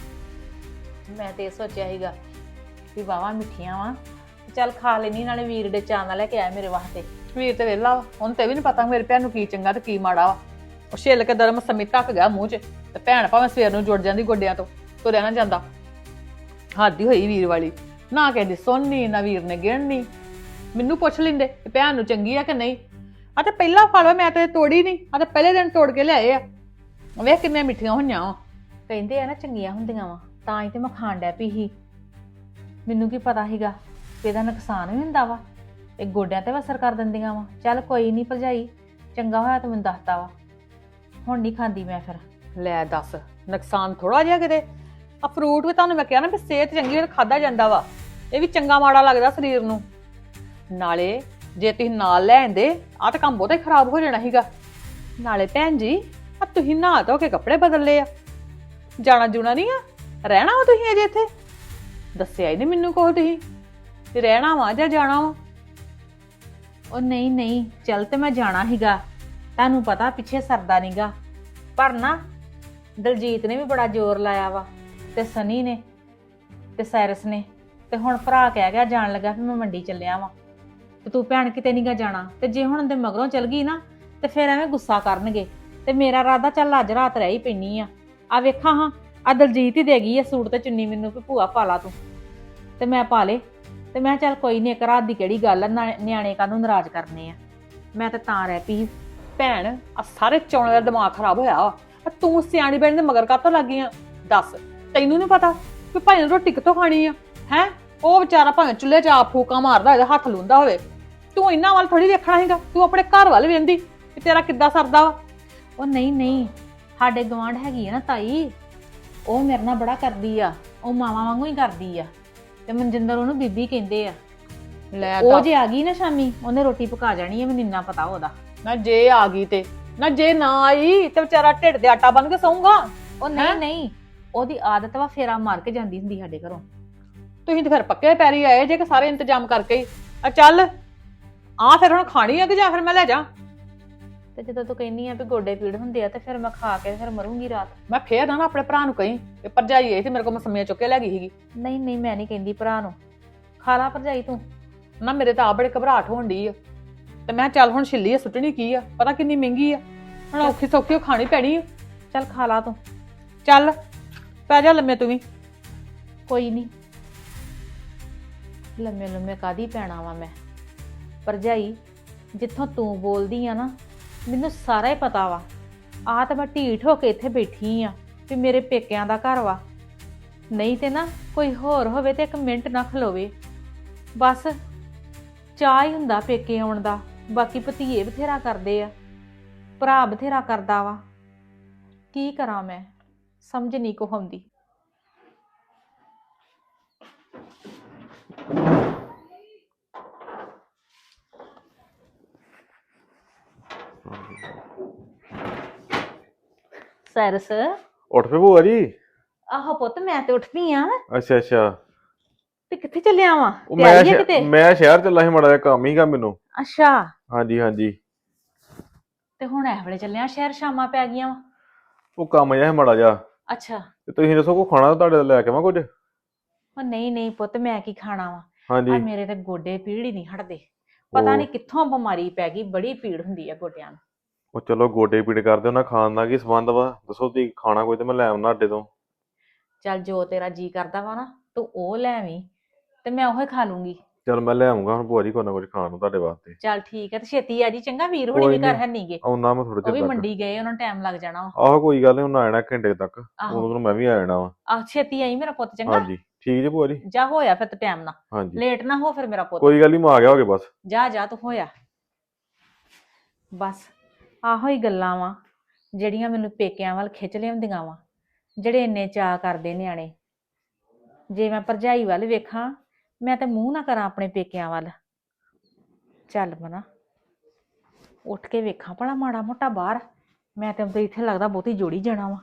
Speaker 2: ਮੈਂ ਤੇ ਇਹ ਸੋਚਿਆ ਸੀਗਾ ਵੀ ਵਾਵਾ ਮਿੱਠੀਆਂ ਵਾ, ਚੱਲ ਖਾ ਲੈਣੀ, ਨਾਲੇ ਵੀਰ ਦੇ ਚਾਅ ਨਾਲ ਲੈ ਕੇ ਆਇਆ ਮੇਰੇ ਵਾਸਤੇ।
Speaker 1: ਵੀਰ ਤੇ ਵੇਲਾ ਵਾ, ਹੁਣ ਤੇ ਵੀ ਨਹੀਂ ਪਤਾ ਮੇਰੇ ਭੈਣ ਨੂੰ ਕੀ ਚੰਗਾ ਤੇ ਕੀ ਮਾੜਾ ਵਾ। ਉਹ ਛਿੱਲ ਕੇ ਦਰਮ ਸਮੀ ਧੱਕ ਗਿਆ ਮੂੰਹ 'ਚ, ਤੇ ਭੈਣ ਭਾਵੇਂ ਸਵੇਰ ਨੂੰ ਜੁੜ ਜਾਂਦੀ ਗੋਡਿਆਂ ਤੋਂ, ਤੁਰਿਆ ਨਾ ਜਾਂਦਾ। ਹੱਦ ਹੀ ਹੋਈ ਵੀਰ ਵਾਲੀ, ਨਾ ਕਹਿੰਦੀ ਸੁਣਨੀ ਨਾ ਵੀਰ ਨੇ ਗਿਣਨੀ। ਮੈਨੂੰ ਪੁੱਛ ਲੈਂਦੇ ਕਿ ਭੈਣ ਨੂੰ ਚੰਗੀ ਆ ਕਿ ਨਹੀਂ। ਆ ਤੇ ਪਹਿਲਾ ਫਲ ਮੈਂ ਤੇ ਤੋੜੀ ਨਹੀਂ, ਆ ਤੇ ਪਹਿਲੇ ਦਿਨ ਤੋੜ ਕੇ ਲਿਆਏ ਆ। ਵੇਖ ਕਿੰਨੀਆਂ ਮਿੱਠੀਆਂ ਹੋਈਆਂ ਵਾ।
Speaker 2: ਕਹਿੰਦੇ ਆ ਨਾ ਚੰਗੀਆਂ ਹੁੰਦੀਆਂ ਵਾ, ਤਾਂ ਹੀ ਤੇ ਮੈਂ ਖਾਣ ਡੈ ਪਈ ਸੀ। ਮੈਨੂੰ ਕੀ ਪਤਾ ਸੀਗਾ ਕਿ ਇਹਦਾ ਨੁਕਸਾਨ ਵੀ ਹੁੰਦਾ ਵਾ, ਇਹ ਗੋਡਿਆਂ ਤੇ ਵੀ ਅਸਰ ਕਰ ਦਿੰਦੀਆਂ ਵਾ। ਚੱਲ ਕੋਈ ਨਹੀਂ ਭਰਜਾਈ, ਚੰਗਾ ਹੋਇਆ ਤੂੰ ਮੈਨੂੰ ਦੱਸਤਾ ਵਾ, ਹੁਣ ਨਹੀਂ ਖਾਂਦੀ ਮੈਂ ਫਿਰ।
Speaker 1: ਲੈ ਦੱਸ, ਨੁਕਸਾਨ ਥੋੜਾ ਜਿਹਾ ਕਿਤੇ। ਆ ਫਰੂਟ ਵੀ ਤੁਹਾਨੂੰ ਮੈਂ ਕਿਹਾ ਨਾ ਵੀ ਸਿਹਤ ਚੰਗੀ ਹੋਵੇ ਖਾਦਾ ਜਾਂਦਾ ਵਾ, ਇਹ ਵੀ ਚੰਗਾ ਮਾੜਾ ਲੱਗਦਾ ਸਰੀਰ ਨੂੰ। ਨਾਲੇ ਜੇ ਤੁਸੀਂ ਨਾਲ ਲੈ ਆਂਦੇ ਆ ਤਾਂ ਕੰਮ ਬਹੁਤਾ ਹੀ ਖਰਾਬ ਹੋ ਜਾਣਾ ਸੀਗਾ। ਨਾਲੇ ਭੈਣ ਜੀ ਆ ਤੁਸੀਂ ਨਹਾ ਧੋ ਕੇ ਕੱਪੜੇ ਬਦਲ ਲਏ ਆ, ਜਾਣਾ ਜੂਣਾ ਨਹੀਂ ਆ, ਰਹਿਣਾ ਵਾ ਤੁਸੀਂ ਅਜੇ ਇੱਥੇ? ਦੱਸਿਆ ਹੀ ਨਹੀਂ ਮੈਨੂੰ ਕੋਲ ਤੁਸੀਂ ਤੇ ਰਹਿਣਾ ਵਾ ਜਾਂ ਜਾਣਾ ਵਾ।
Speaker 2: ਉਹ ਨਹੀਂ ਨਹੀਂ, ਚੱਲ ਤੇ ਮੈਂ ਜਾਣਾ ਸੀਗਾ, ਤੁਹਾਨੂੰ ਪਤਾ ਪਿੱਛੇ ਸਰਦਾ ਨੀਗਾ, ਪਰ ਨਾ ਦਲਜੀਤ ਨੇ ਵੀ ਬੜਾ ਜ਼ੋਰ ਲਾਇਆ ਵਾ, ਤੇ ਸਨੀ ਨੇ ਤੇ ਸਾਇਰਸ ਨੇ, ਤੇ ਹੁਣ ਭਰਾ ਕਹਿ ਗਿਆ ਜਾਣ ਲੱਗਾ ਵੀ ਮੈਂ ਮੰਡੀ ਚੱਲਿਆ ਵਾਂ, ਤੇ ਤੂੰ ਭੈਣ ਕਿਤੇ ਨੀਗਾ ਜਾਣਾ। ਤੇ ਜੇ ਹੁਣ ਦੇ ਮਗਰੋਂ ਚਲ ਗਈ ਨਾ ਤੇ ਫਿਰ ਐਵੇਂ ਗੁੱਸਾ ਕਰਨਗੇ, ਤੇ ਮੇਰਾ ਇਰਾਦਾ ਚੱਲ ਅੱਜ ਰਾਤ ਰਹਿ ਹੀ ਪੈਣੀ ਆ। ਆ ਵੇਖਾਂ ਹਾਂ, ਆ ਦਲਜੀਤ ਹੀ ਦੇ ਗਈ ਆ ਸੂਟ ਤੇ ਚੁੰਨੀ ਮੈਨੂੰ ਵੀ ਭੂਆ ਪਾ ਲਾ ਤੂੰ, ਤੇ ਮੈਂ ਪਾ ਲੇ। ਤੇ ਮੈਂ ਚੱਲ ਕੋਈ ਨਹੀਂ, ਇੱਕ ਰਾਤ ਦੀ ਕਿਹੜੀ ਗੱਲ ਆ, ਨਿਆਣੇ ਕਾਹਨੂੰ ਨਾਰਾਜ਼ ਕਰਨੇ ਆ। ਮੈਂ ਤਾਂ ਤਾਂ ਰਹਿ ਪਈ।
Speaker 1: ਭੈਣ ਆ ਸਾਰੇ ਚੌਣੇ ਦਾ ਦਿਮਾਗ ਖਰਾਬ ਹੋਇਆ ਵਾ, ਤੂੰ ਸਿਆਣੀ ਬੈਣ ਦੇ ਮਗਰ ਕਾਹਤੋਂ ਲੱਗ ਗਈ ਆ? ਦੱਸ, ਤੈਨੂੰ ਨਹੀਂ ਪਤਾ ਵੀ ਭਾਈ ਨੇ ਰੋਟੀ ਕਿੱਥੋਂ ਖਾਣੀ ਆ? ਹੈ ਉਹ ਵਿਚਾਰਾ ਭਾਵੇਂ ਚੁੱਲ੍ਹੇ 'ਚ ਆਪ ਫੂਕਾਂ ਮਾਰਦਾ ਹੋਵੇ, ਹੱਥ ਲੂੰਦਾ ਹੋਵੇ, ਤੂੰ ਇਹਨਾਂ ਵੱਲ ਥੋੜੀ ਵੇਖਣਾ ਹੈਗਾ। ਤੂੰ ਆਪਣੇ ਘਰ ਵੱਲ ਵੇਂਦੀ ਕਿ ਤੇਰਾ ਕਿੱਦਾਂ ਸਰਦਾ ਵਾ।
Speaker 2: ਉਹ ਨਹੀਂ ਨਹੀਂ, ਸਾਡੇ ਗਵਾਂਢ ਹੈਗੀ ਆ ਨਾ ਤਾਈ, ਉਹ ਮੇਰੇ ਨਾਲ ਬੜਾ ਕਰਦੀ ਆ, ਉਹ ਮਾਵਾਂ ਵਾਂਗੂ ਹੀ ਕਰਦੀ ਆ, ਤੇ ਮਨਜਿੰਦਰ ਉਹਨੂੰ ਬੀਬੀ ਕਹਿੰਦੇ ਆ।
Speaker 1: ਲੈ
Speaker 2: ਉਹ
Speaker 1: ਤਾਂ
Speaker 2: ਜੇ ਆ ਗਈ ਨਾ ਸ਼ਾਮੀ, ਉਹਨੇ ਰੋਟੀ ਪਕਾ ਜਾਣੀ ਆ, ਮੈਨੂੰ ਇੰਨਾ ਪਤਾ ਉਹਦਾ।
Speaker 1: ਨਾ ਜੇ ਆ ਗਈ ਤੇ ਨਾ ਜੇ ਨਾ ਆਈ ਤੇ ਵਿਚਾਰਾ ਢਿੱਡ ਦੇ ਆਟਾ ਬਣ ਕੇ ਸੌਂਗਾ।
Speaker 2: ਉਹ ਨਹੀਂ ਨਹੀਂ, ਉਹਦੀ ਆਦਤ ਵਾ ਫੇਰਾ ਮਾਰ ਕੇ ਜਾਂਦੀ ਹੁੰਦੀ ਸਾਡੇ ਘਰੋਂ।
Speaker 1: ਤੁਸੀਂ ਤੇ ਫਿਰ ਪੱਕੇ ਪੈਰੀ ਆਏ ਜੇ ਕਿ ਸਾਰੇ ਇੰਤਜ਼ਾਮ ਕਰਕੇ ਹੀ। ਆ ਚੱਲ ਆ ਫਿਰ ਹੁਣ ਖਾਣੀ ਆ ਕਿ ਜਾਂ ਫਿਰ ਮੈਂ ਲੈ ਜਾ।
Speaker 2: ਤੇ ਜਦੋਂ ਤੂੰ ਕਹਿੰਦੀ ਆ ਵੀ ਗੋਡੇ ਪੀੜ ਹੁੰਦੇ ਆ ਤੇ ਫਿਰ ਮੈਂ ਖਾ ਕੇ ਫਿਰ ਮਰੂੰਗੀ ਰਾਤ।
Speaker 1: ਮੈਂ ਫੇਰ ਨਾ ਆਪਣੇ ਭਰਾ ਨੂੰ ਕਹੀਂ ਕਿ ਭਰਜਾਈ ਆਈ ਤੇ ਮੇਰੇ ਕੋਲ ਮਸਮੀਆਂ ਚੁੱਕ ਕੇ ਲੈ ਗਈ ਸੀਗੀ।
Speaker 2: ਨਹੀਂ ਨਹੀਂ, ਮੈਂ ਨਹੀਂ ਕਹਿੰਦੀ ਭਰਾ ਨੂੰ, ਖਾ ਲਾ ਭਰਜਾਈ ਤੂੰ।
Speaker 1: ਨਾ ਮੇਰੇ ਤਾਂ ਆ ਬੜੇ ਘਬਰਾਹਟ ਹੋਣ ਡਈ ਆ ਤੇ ਮੈਂ ਚੱਲ ਹੁਣ ਛਿੱਲੀ ਆ, ਸੁੱਟਣੀ ਕੀ ਆ, ਪਤਾ ਕਿੰਨੀ ਮਹਿੰਗੀ ਆ, ਹੁਣ ਔਖੀ ਸੌਖੀ ਉਹ ਖਾਣੀ ਪੈਣੀ ਆ।
Speaker 2: ਚੱਲ ਖਾ ਲਾ ਤੂੰ।
Speaker 1: ਚੱਲ ਪੈ ਜਾ ਲੰਮੇ ਤੂੰ ਵੀ।
Speaker 2: ਕੋਈ ਨਹੀਂ, ਲੰਮੇ ਲੰਮੇ ਕਾਦੀ ਪੈਣਾ ਵਾ ਮੈਂ। ਭਰਜਾਈ ਜਿੱਥੋਂ ਤੂੰ ਬੋਲਦੀ ਆ ਨਾ, ਮੈਨੂੰ ਸਾਰਾ ਹੀ ਪਤਾ ਵਾ। ਆ ਤਾਂ ਮੈਂ ਢੀਠ ਹੋ ਕੇ ਇੱਥੇ ਬੈਠੀ ਆ ਵੀ ਮੇਰੇ ਪੇਕਿਆਂ ਦਾ ਘਰ ਵਾ, ਨਹੀਂ ਤੇ ਨਾ ਕੋਈ ਹੋਰ ਹੋਵੇ ਤੇ ਇੱਕ ਮਿੰਟ ਨਾ ਖਲੋਵੇ। ਬਸ ਚਾਹ ਹੀ ਹੁੰਦਾ ਪੇਕੇ ਆਉਣ ਦਾ, ਬਾਕੀ ਭਤੀਏ ਬਥੇਰਾ ਕਰਦੇ ਆ, ਭਰਾ ਬਥੇਰਾ ਕਰਦਾ ਵਾ। ਕੀ ਕਰਾਂ ਮੈਂ, ਸਮਝ ਨਹੀਂ ਕੋ ਆਉਂਦੀ। ਸਰਸ
Speaker 4: ਉੱਠ ਪਏ ਭੂਆ ਜੀ।
Speaker 2: ਆਹੋ ਪੁੱਤ, ਮੈਂ ਤੇ ਉੱਠਦੀ ਆ।
Speaker 4: ਅੱਛਾ ਅੱਛਾ।
Speaker 2: ਤੇ ਕਿੱਥੇ ਚੱਲਿਆ ਵਾ?
Speaker 4: ਉਹ ਮੈਂ
Speaker 2: ਤਿਆਰੀ ਆ
Speaker 4: ਸ਼ਹਿ-
Speaker 2: ਕਿਤੇ?
Speaker 4: ਮੈਂ ਸ਼ਹਿਰ ਚੱਲਾ ਸੀ, ਮਾੜਾ ਜਿਹਾ ਕੰਮ ਹੀਗਾ ਮੈਨੂੰ।
Speaker 2: ਅੱਛਾ,
Speaker 4: ਹਾਂਜੀ ਹਾਂਜੀ।
Speaker 2: ਤੇ ਹੁਣ ਇਹ ਵੇਲੇ ਚੱਲਿਆ ਸ਼ਹਿਰ, ਸ਼ਾਮਾਂ ਪੈ ਗਈਆਂ ਵਾ।
Speaker 4: ਉਹ ਕੰਮ ਜਿਹਾ ਸੀ ਮਾੜਾ ਜਿਹਾ।
Speaker 2: ਅੱਛਾ,
Speaker 4: ਤੇ ਤੁਸੀਂ ਦੱਸੋ ਕੋ ਖਾਣਾ ਤੁਹਾਡੇ ਤੋਂ ਲੈ ਕੇ ਆਵਾਂ ਕੁਝ?
Speaker 2: ਉਹ ਨਹੀਂ ਨਹੀਂ ਪੁੱਤ, ਮੈਂ ਕੀ ਖਾਣਾ ਵਾ। ਆ
Speaker 4: ਹਾਂਜੀ।
Speaker 2: ਮੇਰੇ ਤੇ ਗੋਡੇ ਪੀੜ ਹੀ ਨਹੀਂ ਹਟਦੇ, ਪਤਾ
Speaker 4: ਉਹ-
Speaker 2: ਨਹੀਂ ਕਿੱਥੋਂ ਬਿਮਾਰੀ ਪੈ ਗਈ, ਬੜੀ ਪੀੜ ਹੁੰਦੀ ਆ ਗੋਡਿਆਂ ਨੂੰ।
Speaker 4: ਉਹ ਚਲੋ ਗੋਡੇ ਪੀੜ ਕਰਦੇ ਉਹਨਾਂ ਖਾਣ ਦਾ ਕੀ ਸੰਬੰਧ ਵਾ? ਦੱਸੋ ਤੁਸੀਂ ਖਾਣਾ ਕੋਈ ਤੇ ਮੈਂ ਲੈ ਆਉਣਾ ਅੱਡੇ ਤੋਂ।
Speaker 2: ਚੱਲ ਜੋ ਤੇਰਾ ਜੀ ਕਰਦਾ ਵਾ ਨਾ, ਤੂੰ ਉਹ ਲੈ ਆਵੀਂ ਤੇ ਮੈਂ ਉਹੀ ਖਾ ਲੂੰਗੀ।
Speaker 4: ਚਲ ਮੈਂ ਲੈ ਆਉਂਗਾ ਹੁਣ ਭੂਆ ਜੀ ਕੋਈ ਨਾ ਕੁਝ ਖਾਣ ਨੂੰ ਤੁਹਾਡੇ ਵਾਸਤੇ।
Speaker 2: ਚੱਲ ਠੀਕ ਹੈ, ਤੇ ਛੇਤੀ ਆ ਜੀ ਚੰਗਾ। ਵੀਰ ਹੁਣੀ
Speaker 4: ਕੋਈ
Speaker 2: ਵੀ ਘਰ
Speaker 4: ਨੀ।
Speaker 2: ਹੈ ਨਹੀਂਗੇ,
Speaker 4: ਆਉਣਾ ਮੈਂ ਥੋੜੇ
Speaker 2: ਉਹ ਵੀ
Speaker 4: ਚਿਰ ਤੱਕ।
Speaker 2: ਮੰਡੀ ਗਏ, ਉਹਨਾਂ ਨੂੰ ਟਾਈਮ ਲੱਗ ਜਾਣਾ ਵਾ।
Speaker 4: ਆਹੋ ਕੋਈ ਗੱਲ ਨਹੀਂ, ਉਹਨਾਂ ਆਣਾ ਘੰਟੇ ਤੱਕ,
Speaker 2: ਆਹੋ
Speaker 4: ਉਦੋਂ ਨੂੰ ਮੈਂ ਵੀ ਆ ਜਾਣਾ ਵਾ।
Speaker 2: ਆਹ ਛੇਤੀ ਆਈ ਮੇਰਾ ਪੁੱਤ, ਚੰਗਾ।
Speaker 4: ਹਾਂਜੀ ਠੀਕ ਜੀ ਭੂਆ ਜੀ।
Speaker 2: ਜਾ ਹੋਇਆ ਫਿਰ ਤੇ ਟਾਈਮ ਨਾਲ,
Speaker 4: ਹਾਂਜੀ
Speaker 2: ਲੇਟ ਨਾ ਹੋ ਫਿਰ ਮੇਰਾ ਪੁੱਤ।
Speaker 4: ਕੋਈ ਗੱਲ ਨਹੀਂ, ਮੈਂ ਆ ਗਿਆ ਹੋਗੇ ਬਸ।
Speaker 2: ਜਾ ਜਾ ਤੂੰ ਹੋਇਆ। ਬਸ ਆਹੋ ਹੀ ਗੱਲਾਂ ਵਾ ਜਿਹੜੀਆਂ ਮੈਨੂੰ ਪੇਕਿਆਂ ਵੱਲ ਖਿੱਚ ਲਿਆਉਂਦੀਆਂ ਵਾ, ਜਿਹੜੇ ਇੰਨੇ ਚਾਅ ਕਰਦੇ ਨਿਆਣੇ। ਜੇ ਮੈਂ ਭਰਜਾਈ ਵੱਲ ਵੇਖਾਂ, ਮੈਂ ਤਾਂ ਮੂੰਹ ਨਾ ਕਰਾਂ ਆਪਣੇ ਪੇਕਿਆਂ ਵੱਲ। ਚੱਲ ਮਨਾ ਉੱਠ ਕੇ ਵੇਖਾਂ ਭਲਾ ਮਾੜਾ ਮੋਟਾ ਬਾਹਰ। ਮੈਂ ਤਾਂ ਉਦੋਂ ਇੱਥੇ ਲੱਗਦਾ ਬਹੁਤੀ ਜੋੜੀ ਜਾਣਾ ਵਾ।